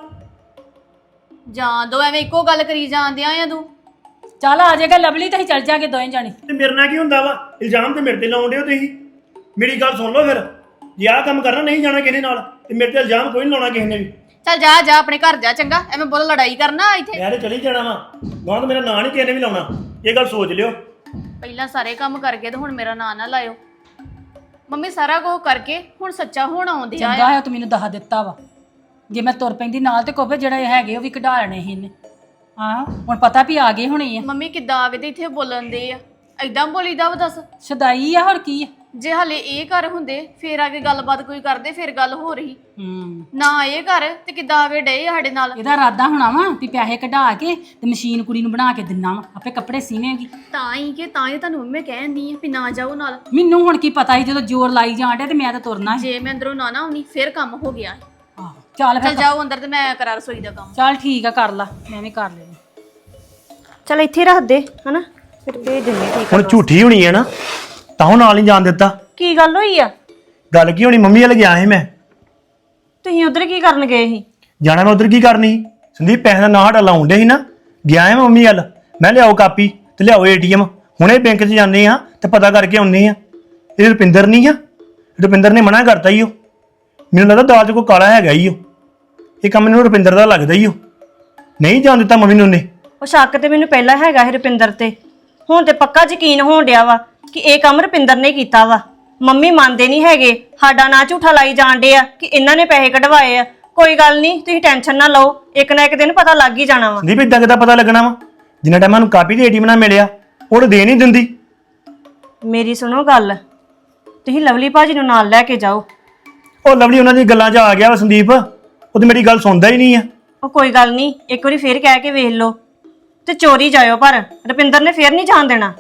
Speaker 4: ਜਾਂ ਦੋ ਐਵੇਂ ਇੱਕੋ ਗੱਲ ਕਰੀ ਜਾਂਦੇ ਆ ਤੂੰ।
Speaker 1: ਚੱਲ ਆ ਜਾਏਗਾ ਲਵਲੀ, ਤੇ ਅਸੀਂ ਚੱਲ ਜਾਾਂਗੇ ਦੋਵੇਂ ਜਾਣੇ।
Speaker 5: ਤੇ ਮੇਰੇ ਨਾਲ ਕੀ ਹੁੰਦਾ ਵਾ? ਇਲਜ਼ਾਮ ਤੇ ਮੇਰੇ ਤੇ ਲਾਉਣ ਦਿਓ ਤੁਸੀਂ। ਮੇਰੀ ਗੱਲ ਸੁਣ ਲਓ ਫਿਰ, ਜੇ ਆਹ ਕੰਮ ਕਰਨਾ ਨਹੀਂ ਜਾਣਾ ਕਿਸੇ ਨਾਲ, ਤੇ ਮੇਰੇ ਤੇ ਇਲਜ਼ਾਮ ਕੋਈ ਨਹੀਂ ਲਾਉਣਾ ਕਿਸੇ ਨੇ ਵੀ।
Speaker 4: ਚੱਲ ਜਾ ਜਾ ਆਪਣੇ ਘਰ ਜਾ, ਚੰਗਾ? ਐਵੇਂ ਬੋਲ ਲੜਾਈ ਕਰਨਾ ਇੱਥੇ।
Speaker 5: ਮੈਂ ਤੇ ਚਲੀ ਜਾਣਾ ਵਾ, ਗਾਂ ਤਾਂ ਮੇਰਾ ਨਾਂ ਨਹੀਂ ਕਿਸੇ ਨੇ ਵੀ ਲਾਉਣਾ, ਇਹ ਗੱਲ ਸੋਚ ਲਿਓ।
Speaker 4: ਪਹਿਲਾਂ ਸਾਰੇ ਕੰਮ ਕਰਕੇ ਤੇ ਹੁਣ ਮੇਰਾ ਨਾਂ ਨਾ ਲਾਇਓ। ਮੰਮੀ ਸਾਰਾ ਕੁਝ ਕਰਕੇ ਹੁਣ ਸੱਚਾ ਹੋਣਾ ਆਉਂਦੇ ਆ।
Speaker 1: ਚੰਗਾ ਹੈ ਤੂੰ ਮੈਨੂੰ ਦੱਸ ਦਿੱਤਾ ਵਾ। ਜੇ ਮੈਂ ਤੁਰ ਪੈਂਦੀ ਨਾਲ ਤੇ ਕੋਪੇ ਜਿਹੜੇ ਹੈਗੇ ਉਹ ਵੀ ਕਢਾ ਲੈਣੇ ਸੀ ਇਹਨੇ। ਹਾਂ ਹੁਣ ਪਤਾ ਵੀ ਆ ਗਏ ਹੋਣੇ ਆ।
Speaker 4: ਮੰਮੀ ਕਿੱਦਾਂ ਆ ਕੇ ਤੇ ਇੱਥੇ ਬੋਲਣ ਦੇ ਆ? ਐਦਾਂ ਬੋਲੀਦਾ ਵਾ ਦੱਸ?
Speaker 1: ਸਦਾਈ ਆ, ਹੋਰ ਕੀ ਆ?
Speaker 4: ਜੇ ਹਲੇ ਇਹ ਘਰ ਹੁੰਦੇ ਫੇਰ ਆ ਕੇ ਗੱਲਬਾਤ ਕੋਈ ਕਰਦੇ, ਫੇਰ ਗੱਲ ਹੋ ਰਹੀ।
Speaker 1: ਹੂੰ
Speaker 4: ਨਾ ਇਹ ਘਰ ਤੇ ਕਿੱਦਾਂ ਆਵੇ ਡੇ ਸਾਡੇ ਨਾਲ।
Speaker 1: ਇਹਦਾ ਇਰਾਦਾ ਹੋਣਾ ਵਾ ਵੀ ਪੈਸੇ ਕਢਾ ਕੇ ਤੇ ਮਸ਼ੀਨ ਕੁੜੀ ਨੂੰ ਬਣਾ ਕੇ ਦਿੰਨਾ ਵਾ, ਆਪੇ ਕੱਪੜੇ ਸੀਵੇਂਗੀ।
Speaker 4: ਤਾਂ ਹੀ ਕਿ ਤਾਂ ਹੀ ਤੁਹਾਨੂੰ ਮੰਮੀ ਕਹਿੰਦੀ ਆ ਵੀ ਨਾ ਜਾਓ ਨਾਲ।
Speaker 1: ਮੈਨੂੰ ਹੁਣ ਕੀ ਪਤਾ ਸੀ, ਜਦੋਂ ਜ਼ੋਰ ਲਾਈ ਜਾਣ ਡਿਆ ਤੇ ਮੈਂ ਤਾਂ ਤੁਰਨਾ ਸੀ।
Speaker 4: ਜੇ ਮੈਂ ਅੰਦਰੋਂ ਨਾ ਨਾ ਆਉਣੀ ਫੇਰ ਕੰਮ ਹੋ ਗਿਆ।
Speaker 1: ਆਹੋ ਚੱਲ
Speaker 4: ਚੱਲ
Speaker 1: ਫਿਰ,
Speaker 4: ਜਾਓ ਅੰਦਰ ਤੇ ਮੈਂ ਕਰਾਂ ਰਸੋਈ ਦਾ ਕੰਮ।
Speaker 1: ਚੱਲ ਠੀਕ ਆ, ਕਰ ਲਾ, ਮੈਂ ਵੀ ਕਰ ਲੈਣੀ।
Speaker 3: ਚੱਲ ਇੱਥੇ ਰੱਖ ਦੇ ਹਨਾ, ਫਿਰ ਭੇਜ ਦਿੰਦੇ ਠੀਕ
Speaker 5: ਹੁਣ ਝੂਠੀ ਹੋਣੀ ਹੈ ਨਾ, ਤਾਂ ਉਹ ਨਾਲ ਨਹੀਂ ਜਾਣ ਦਿੱਤਾ।
Speaker 3: ਕੀ ਗੱਲ ਹੋਈ ਆ?
Speaker 5: ਗੱਲ ਕੀ ਹੋਣੀ, ਮੰਮੀ ਵੱਲ ਗਿਆ ਸੀ ਮੈਂ।
Speaker 3: ਤੁਸੀਂ ਉਧਰ ਕੀ ਕਰਨ ਗਏ ਸੀ?
Speaker 5: ਜਾਣਾ ਮੈਂ ਉਧਰ ਕੀ ਕਰਨੀ ਸੀ? ਸੰਦੀਪ ਪੈਸੇ ਦਾ ਨਾਂ ਸਾਡਾ ਲਾਉਣ ਡੇ ਸੀ ਨਾ, ਗਿਆ ਮੈਂ ਮੰਮੀ ਵੱਲ। ਮੈਂ ਲਿਆਓ ਕਾਪੀ ਤੇ ਲਿਆਓ ਏਟੀਐਮ, ਹੁਣੇ ਬੈਂਕ 'ਚ ਜਾਂਦੇ ਆ ਤੇ ਪਤਾ ਕਰਕੇ ਆਉਂਦੇ ਆ। ਇਹ ਰੁਪਿੰਦਰ ਨਹੀਂ ਆ, ਰੁਪਿੰਦਰ ਨੇ ਮਨਾ ਕਰਤਾ ਹੀ ਉਹ। ਮੈਨੂੰ ਲੱਗਦਾ ਦਾਲ 'ਚ ਕੋਈ ਕਾਲਾ ਹੈਗਾ ਹੀ ਉਹ। ਇਹ ਕੰਮ ਮੈਨੂੰ ਰੁਪਿੰਦਰ ਦਾ ਲੱਗਦਾ ਹੀ ਉਹ, ਨਹੀਂ ਜਾਣ ਦਿੱਤਾ ਮੰਮੀ ਨੂੰ ਉਹਨੇ।
Speaker 3: ਉਹ ਸ਼ੱਕ ਤੇ ਮੈਨੂੰ ਪਹਿਲਾਂ ਹੈਗਾ ਸੀ ਰੁਪਿੰਦਰ ਤੇ, ਹੁਣ ਤੇ ਪੱਕਾ ਯਕੀਨ ਹੋਣ ਡਿਆ ਵਾ ਕਿ ਇਹ ਕੰਮ ਰੁਪਿੰਦਰ ਨੇ ਕੀਤਾ ਵਾ। ਮੰਮੀ ਮੰਨਦੇ ਨਹੀਂ ਹੈਗੇ, ਸਾਡਾ ਨਾਂ ਝੂਠਾ ਲਾਈ ਜਾਣ ਡੇ ਆ ਕਿ ਇਹਨਾਂ ਨੇ ਪੈਸੇ ਕਢਵਾਏ ਆ। ਕੋਈ ਗੱਲ ਨਹੀਂ, ਤੁਸੀਂ ਟੈਨਸ਼ਨ ਨਾ ਲਓ, ਇੱਕ ਨਾ ਇੱਕ ਦਿਨ ਪਤਾ ਲੱਗ ਹੀ ਜਾਣਾ ਵਾ।
Speaker 5: ਸੰਦੀਪ ਇਦਾਂ ਕਿੱਦਾਂ ਪਤਾ ਲੱਗਣਾ ਵਾ? ਜਿੰਨਾ ਟਾਈਮ ਮੈਨੂੰ ਕਾਪੀ ਤੇ ਏਟੀਐਮ ਨਾ ਮਿਲਿਆ, ਉਹ ਦੇ ਨਹੀਂ ਦਿੰਦੀ।
Speaker 3: ਮੇਰੀ ਸੁਣੋ ਗੱਲ, ਤੁਸੀਂ ਲਵਲੀ ਭਾਜੀ ਨੂੰ ਨਾਲ ਲੈ ਕੇ ਜਾਓ।
Speaker 5: ਉਹ ਲਵਲੀ ਉਹਨਾਂ ਦੀ ਗੱਲਾਂ 'ਚ ਆ ਗਿਆ ਵਾ ਸੰਦੀਪ, ਉਹ ਤੇ ਮੇਰੀ ਗੱਲ ਸੁਣਦਾ ਹੀ ਨਹੀਂ ਆ।
Speaker 3: ਉਹ ਕੋਈ ਗੱਲ ਨਹੀਂ, ਇੱਕ ਵਾਰੀ ਫੇਰ ਕਹਿ ਕੇ ਵੇਖ ਲਓ ਤੇ ਚੋਰੀ ਜਾਇਓ, ਪਰ ਰੁਪਿੰਦਰ ਨੇ ਫੇਰ ਨਹੀਂ ਜਾਣ ਦੇਣਾ।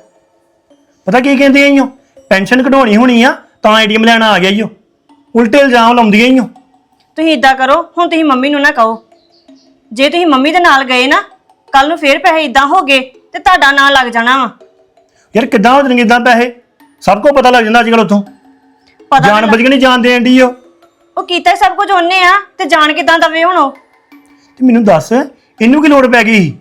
Speaker 5: ਪਤਾ ਕੀ ਕਹਿੰਦੇ ਆਈਓ, ਪੈਨਸ਼ਨ ਕਢਾਉਣੀ ਹੋਣੀ ਆ ਤਾਂ ਏਟੀਐਮ ਲੈਣਾ ਆ ਗਿਆ ਈਓ। ਉਲਟੇ ਇਲਜ਼ਾਮ ਲਾਉਂਦੀਆਂ ਈਓ।
Speaker 3: ਤੁਸੀਂ ਇਦਾਂ ਕਰੋ, ਹੁਣ ਤੁਸੀਂ ਮੰਮੀ ਨੂੰ ਨਾ ਕਹੋ। ਜੇ ਤੁਸੀਂ ਮੰਮੀ ਦੇ ਨਾਲ ਗਏ ਨਾ, ਕੱਲ ਨੂੰ ਫੇਰ ਪੈਸੇ ਇਦਾਂ ਹੋ ਗਏ ਤੇ ਤੁਹਾਡਾ ਨਾਂ ਲੱਗ ਜਾਣਾ ਵਾ।
Speaker 5: ਯਾਰ ਕਿੱਦਾਂ ਹੋ ਜਾਣਗੇ ਇਦਾਂ ਪੈਸੇ? ਸਭ ਕੁਝ ਪਤਾ ਲੱਗ ਜਾਂਦਾ ਅੱਜ ਕੱਲ ਉੱਥੋਂ।
Speaker 3: ਪਤਾ
Speaker 5: ਜਾਣ ਬੁੱਝ ਕੇ ਨਹੀਂ ਜਾਣ ਦੇਣ ਦੀ ਉਹ।
Speaker 3: ਉਹ ਕੀਤਾ ਹੀ ਸਭ ਕੁਝ ਉਹਨੇ ਆ, ਤੇ ਜਾਣ ਕਿਦਾਂ ਦਵੇ ਹੁਣ ਉਹ?
Speaker 5: ਤੇ ਮੈਨੂੰ ਦੱਸ, ਇਹਨੂੰ ਕੀ ਲੋੜ ਪੈ ਗਈ?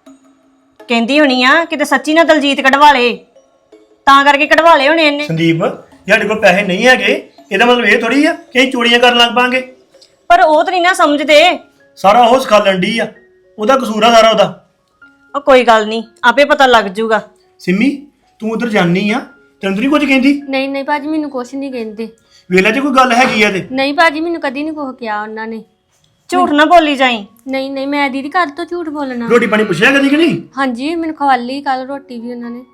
Speaker 3: ਕਹਿੰਦੀ ਹੋਣੀ ਆ ਕਿਤੇ ਸੱਚੀ ਨਾ ਦਲਜੀਤ ਕਢਵਾ ਲੇ, ਤਾਂ ਕਰਕੇ ਕਢਵਾ ਲਏ ਹੋਣੇ ਇਹਨੇ।
Speaker 5: ਸੰਦੀਪ, ਸਾਡੇ ਕੋਲ ਪੈਸੇ ਨਹੀਂ ਹੈਗੇ, ਇਹਦਾ ਮਤਲਬ ਇਹ ਥੋੜੀ ਆ ਕਿ ਅਸੀਂ ਚੋਰੀਆਂ ਕਰਨ ਲੱਗ ਪਾਂਗੇ।
Speaker 3: ਪਰ ਉਹ ਤਾਂ ਨਹੀਂ ਨਾ ਸਮਝਦੇ।
Speaker 5: ਸਾਰਾ ਉਹ ਸਿਖਾਲਣ ਡਈ ਆ, ਉਹਦਾ ਕਸੂਰ ਆ ਸਾਰਾ ਉਹਦਾ।
Speaker 3: ਉਹ ਕੋਈ ਗੱਲ ਨਹੀਂ, ਆਪੇ ਪਤਾ ਲੱਗ ਜੂਗਾ।
Speaker 5: ਸਿੰਮੀ, ਤੂੰ ਉਧਰ ਜਾਨੀ ਆ, ਤੈਨੂੰ ਤਾਂ ਨਹੀਂ ਕੁਝ ਕਹਿੰਦੀ?
Speaker 6: ਨਹੀਂ ਨਹੀਂ ਭਾਜੀ, ਮੈਨੂੰ ਕੁਛ ਨਹੀਂ ਕਹਿੰਦੇ।
Speaker 5: ਵੇਲੇ 'ਚ ਕੋਈ ਗੱਲ ਹੈਗੀ ਆ ਤੇ?
Speaker 6: ਨਹੀਂ ਭਾਜੀ, ਮੈਨੂੰ ਕਦੀ ਨਹੀਂ ਕੁਛ ਕਿਹਾ ਉਹਨਾਂ ਨੇ।
Speaker 3: ਝੂਠ ਨਾ ਬੋਲੀ ਜਾਈ।
Speaker 6: ਨਹੀਂ ਨਹੀਂ, ਮੈਂ ਦੀਦੀ ਕਦ ਤੋਂ ਝੂਠ ਬੋਲਣਾ?
Speaker 5: ਰੋਟੀ ਪਾਣੀ ਪੁੱਛਿਆ ਕਦੀ ਕਿ ਨਹੀਂ?
Speaker 6: ਹਾਂਜੀ, ਮੈਨੂੰ ਖਵਾਲੀ ਕੱਲ ਰੋਟੀ ਵੀ ਉਹਨਾਂ ਨੇ।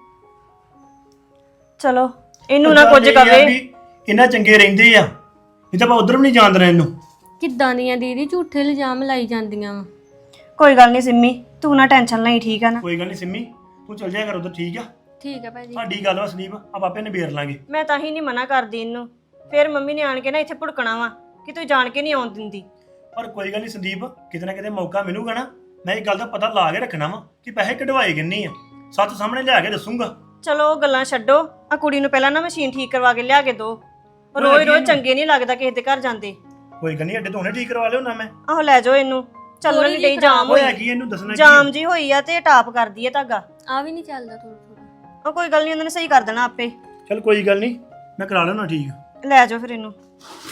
Speaker 3: ਚਲੋ ਇਹਨੂੰ ਨਾ ਕੁਝ
Speaker 5: ਇਹ ਆ
Speaker 3: ਕਵੇ।
Speaker 5: ਵੀ ਇਹਨਾਂ ਚੰਗੇ ਰਹਿੰਦੇ ਆ, ਨਹੀਂ ਤਾਂ ਆਪਾਂ ਉਧਰ ਵੀ ਨਹੀਂ ਜਾਣ ਦੇਣਾ ਇਹਨੂੰ।
Speaker 6: ਕਿੱਦਾਂ ਦੀਆਂ ਦੀਦੀ ਝੂਠੇ ਇਲਜ਼ਾਮ ਲਾਈ ਜਾਂਦੀਆਂ ਵਾ।
Speaker 3: ਕੋਈ ਗੱਲ ਨਹੀਂ ਸਿੰਮੀ, ਤੂੰ ਨਾ ਟੈਨਸ਼ਨ ਲਈ, ਠੀਕ ਆ ਨਾ?
Speaker 5: ਕੋਈ ਗੱਲ ਨਹੀਂ ਸਿੰਮੀ, ਤੂੰ ਚੱਲ ਜਾਇਆ ਕਰ ਉਧਰ, ਠੀਕ ਆ?
Speaker 6: ਠੀਕ ਹੈ ਭਾਜੀ।
Speaker 5: ਸਾਡੀ ਗੱਲ ਵਾ ਸੰਦੀਪ, ਆਪਾਂ ਆਪੇ ਨਿਬੇੜ ਲਾਂਗੇ।
Speaker 3: ਮੈਂ ਤਾਂ ਹੀ ਨਹੀਂ ਮਨਾ ਕਰਦੀ ਇਹਨੂੰ, ਫਿਰ ਮੰਮੀ ਨੇ ਆਣ ਕੇ ਨਾ ਇੱਥੇ ਭੁੜਕਣਾ ਵਾ ਕਿ ਤੂੰ ਜਾਣ ਕੇ ਨਹੀਂ ਆਉਣ ਦਿੰਦੀ।
Speaker 5: ਪਰ ਕੋਈ ਗੱਲ ਨਹੀਂ ਸੰਦੀਪ, ਕਿਤੇ ਨਾ ਕਿਤੇ ਮੌਕਾ ਮਿਲੂਗਾ ਨਾ, ਮੈਂ ਇਹ ਗੱਲ ਦਾ ਪਤਾ ਲਾ ਕੇ ਰੱਖਣਾ ਵਾ ਕਿ ਪੈਸੇ ਕਢਵਾਏ ਕਿੰਨੇ ਆ। ਸੱਚ ਸਾਹਮਣੇ ਲਿਆ ਕੇ ਦੱਸੂਗਾ।
Speaker 3: ਚਲੋ ਉਹ ਗੱਲਾਂ ਛੱਡੋ, ਆ ਕੁੜੀ ਨੂੰ ਪਹਿਲਾਂ ਨਾ ਮਸ਼ੀਨ ਠੀਕ ਕਰਵਾ ਕੇ ਲਿਆ ਕੇ ਦੋ। ਰੋਜ਼ ਰੋਜ਼ ਚੰਗੇ ਨਹੀਂ ਲੱਗਦਾ ਕਿਸੇ ਦੇ ਘਰ ਜਾਂਦੇ।
Speaker 5: ਕੋਈ ਗੱਲ ਨਹੀਂ, ਅੱਡੇ ਤੋਂ ਹੁਣੇ ਠੀਕ ਕਰਵਾ ਲਿਓ ਨਾ ਮੈਂ।
Speaker 3: ਆਹੋ ਲੈ ਜਾਓ ਇਹਨੂੰ, ਚੱਲਣ ਨਹੀਂ ਡਈ, ਜਾਮ
Speaker 5: ਹੋਇਆ
Speaker 3: ਹੋਈ,
Speaker 5: ਕੀ ਇਹਨੂੰ ਦੱਸਣਾ ਕੀ
Speaker 3: ਜਾਮ ਜੀ ਹੋਈ ਆ ਤੇ ਟਾਪ ਕਰਦੀ ਹੈ ਧਾਗਾ।
Speaker 6: ਆ ਵੀ ਨਹੀਂ ਚੱਲਦਾ ਥੋੜਾ ਥੋੜਾ।
Speaker 3: ਉਹ ਕੋਈ ਗੱਲ ਨਹੀਂ, ਉਹਨਾਂ ਨੇ ਸਹੀ ਕਰ ਦੇਣਾ ਆਪੇ।
Speaker 5: ਚੱਲ ਕੋਈ ਗੱਲ ਨਹੀਂ, ਮੈਂ ਕਰਾ ਲੈਣਾ ਠੀਕ।
Speaker 3: ਲੈ ਜਾਓ ਫਿਰ ਇਹਨੂੰ।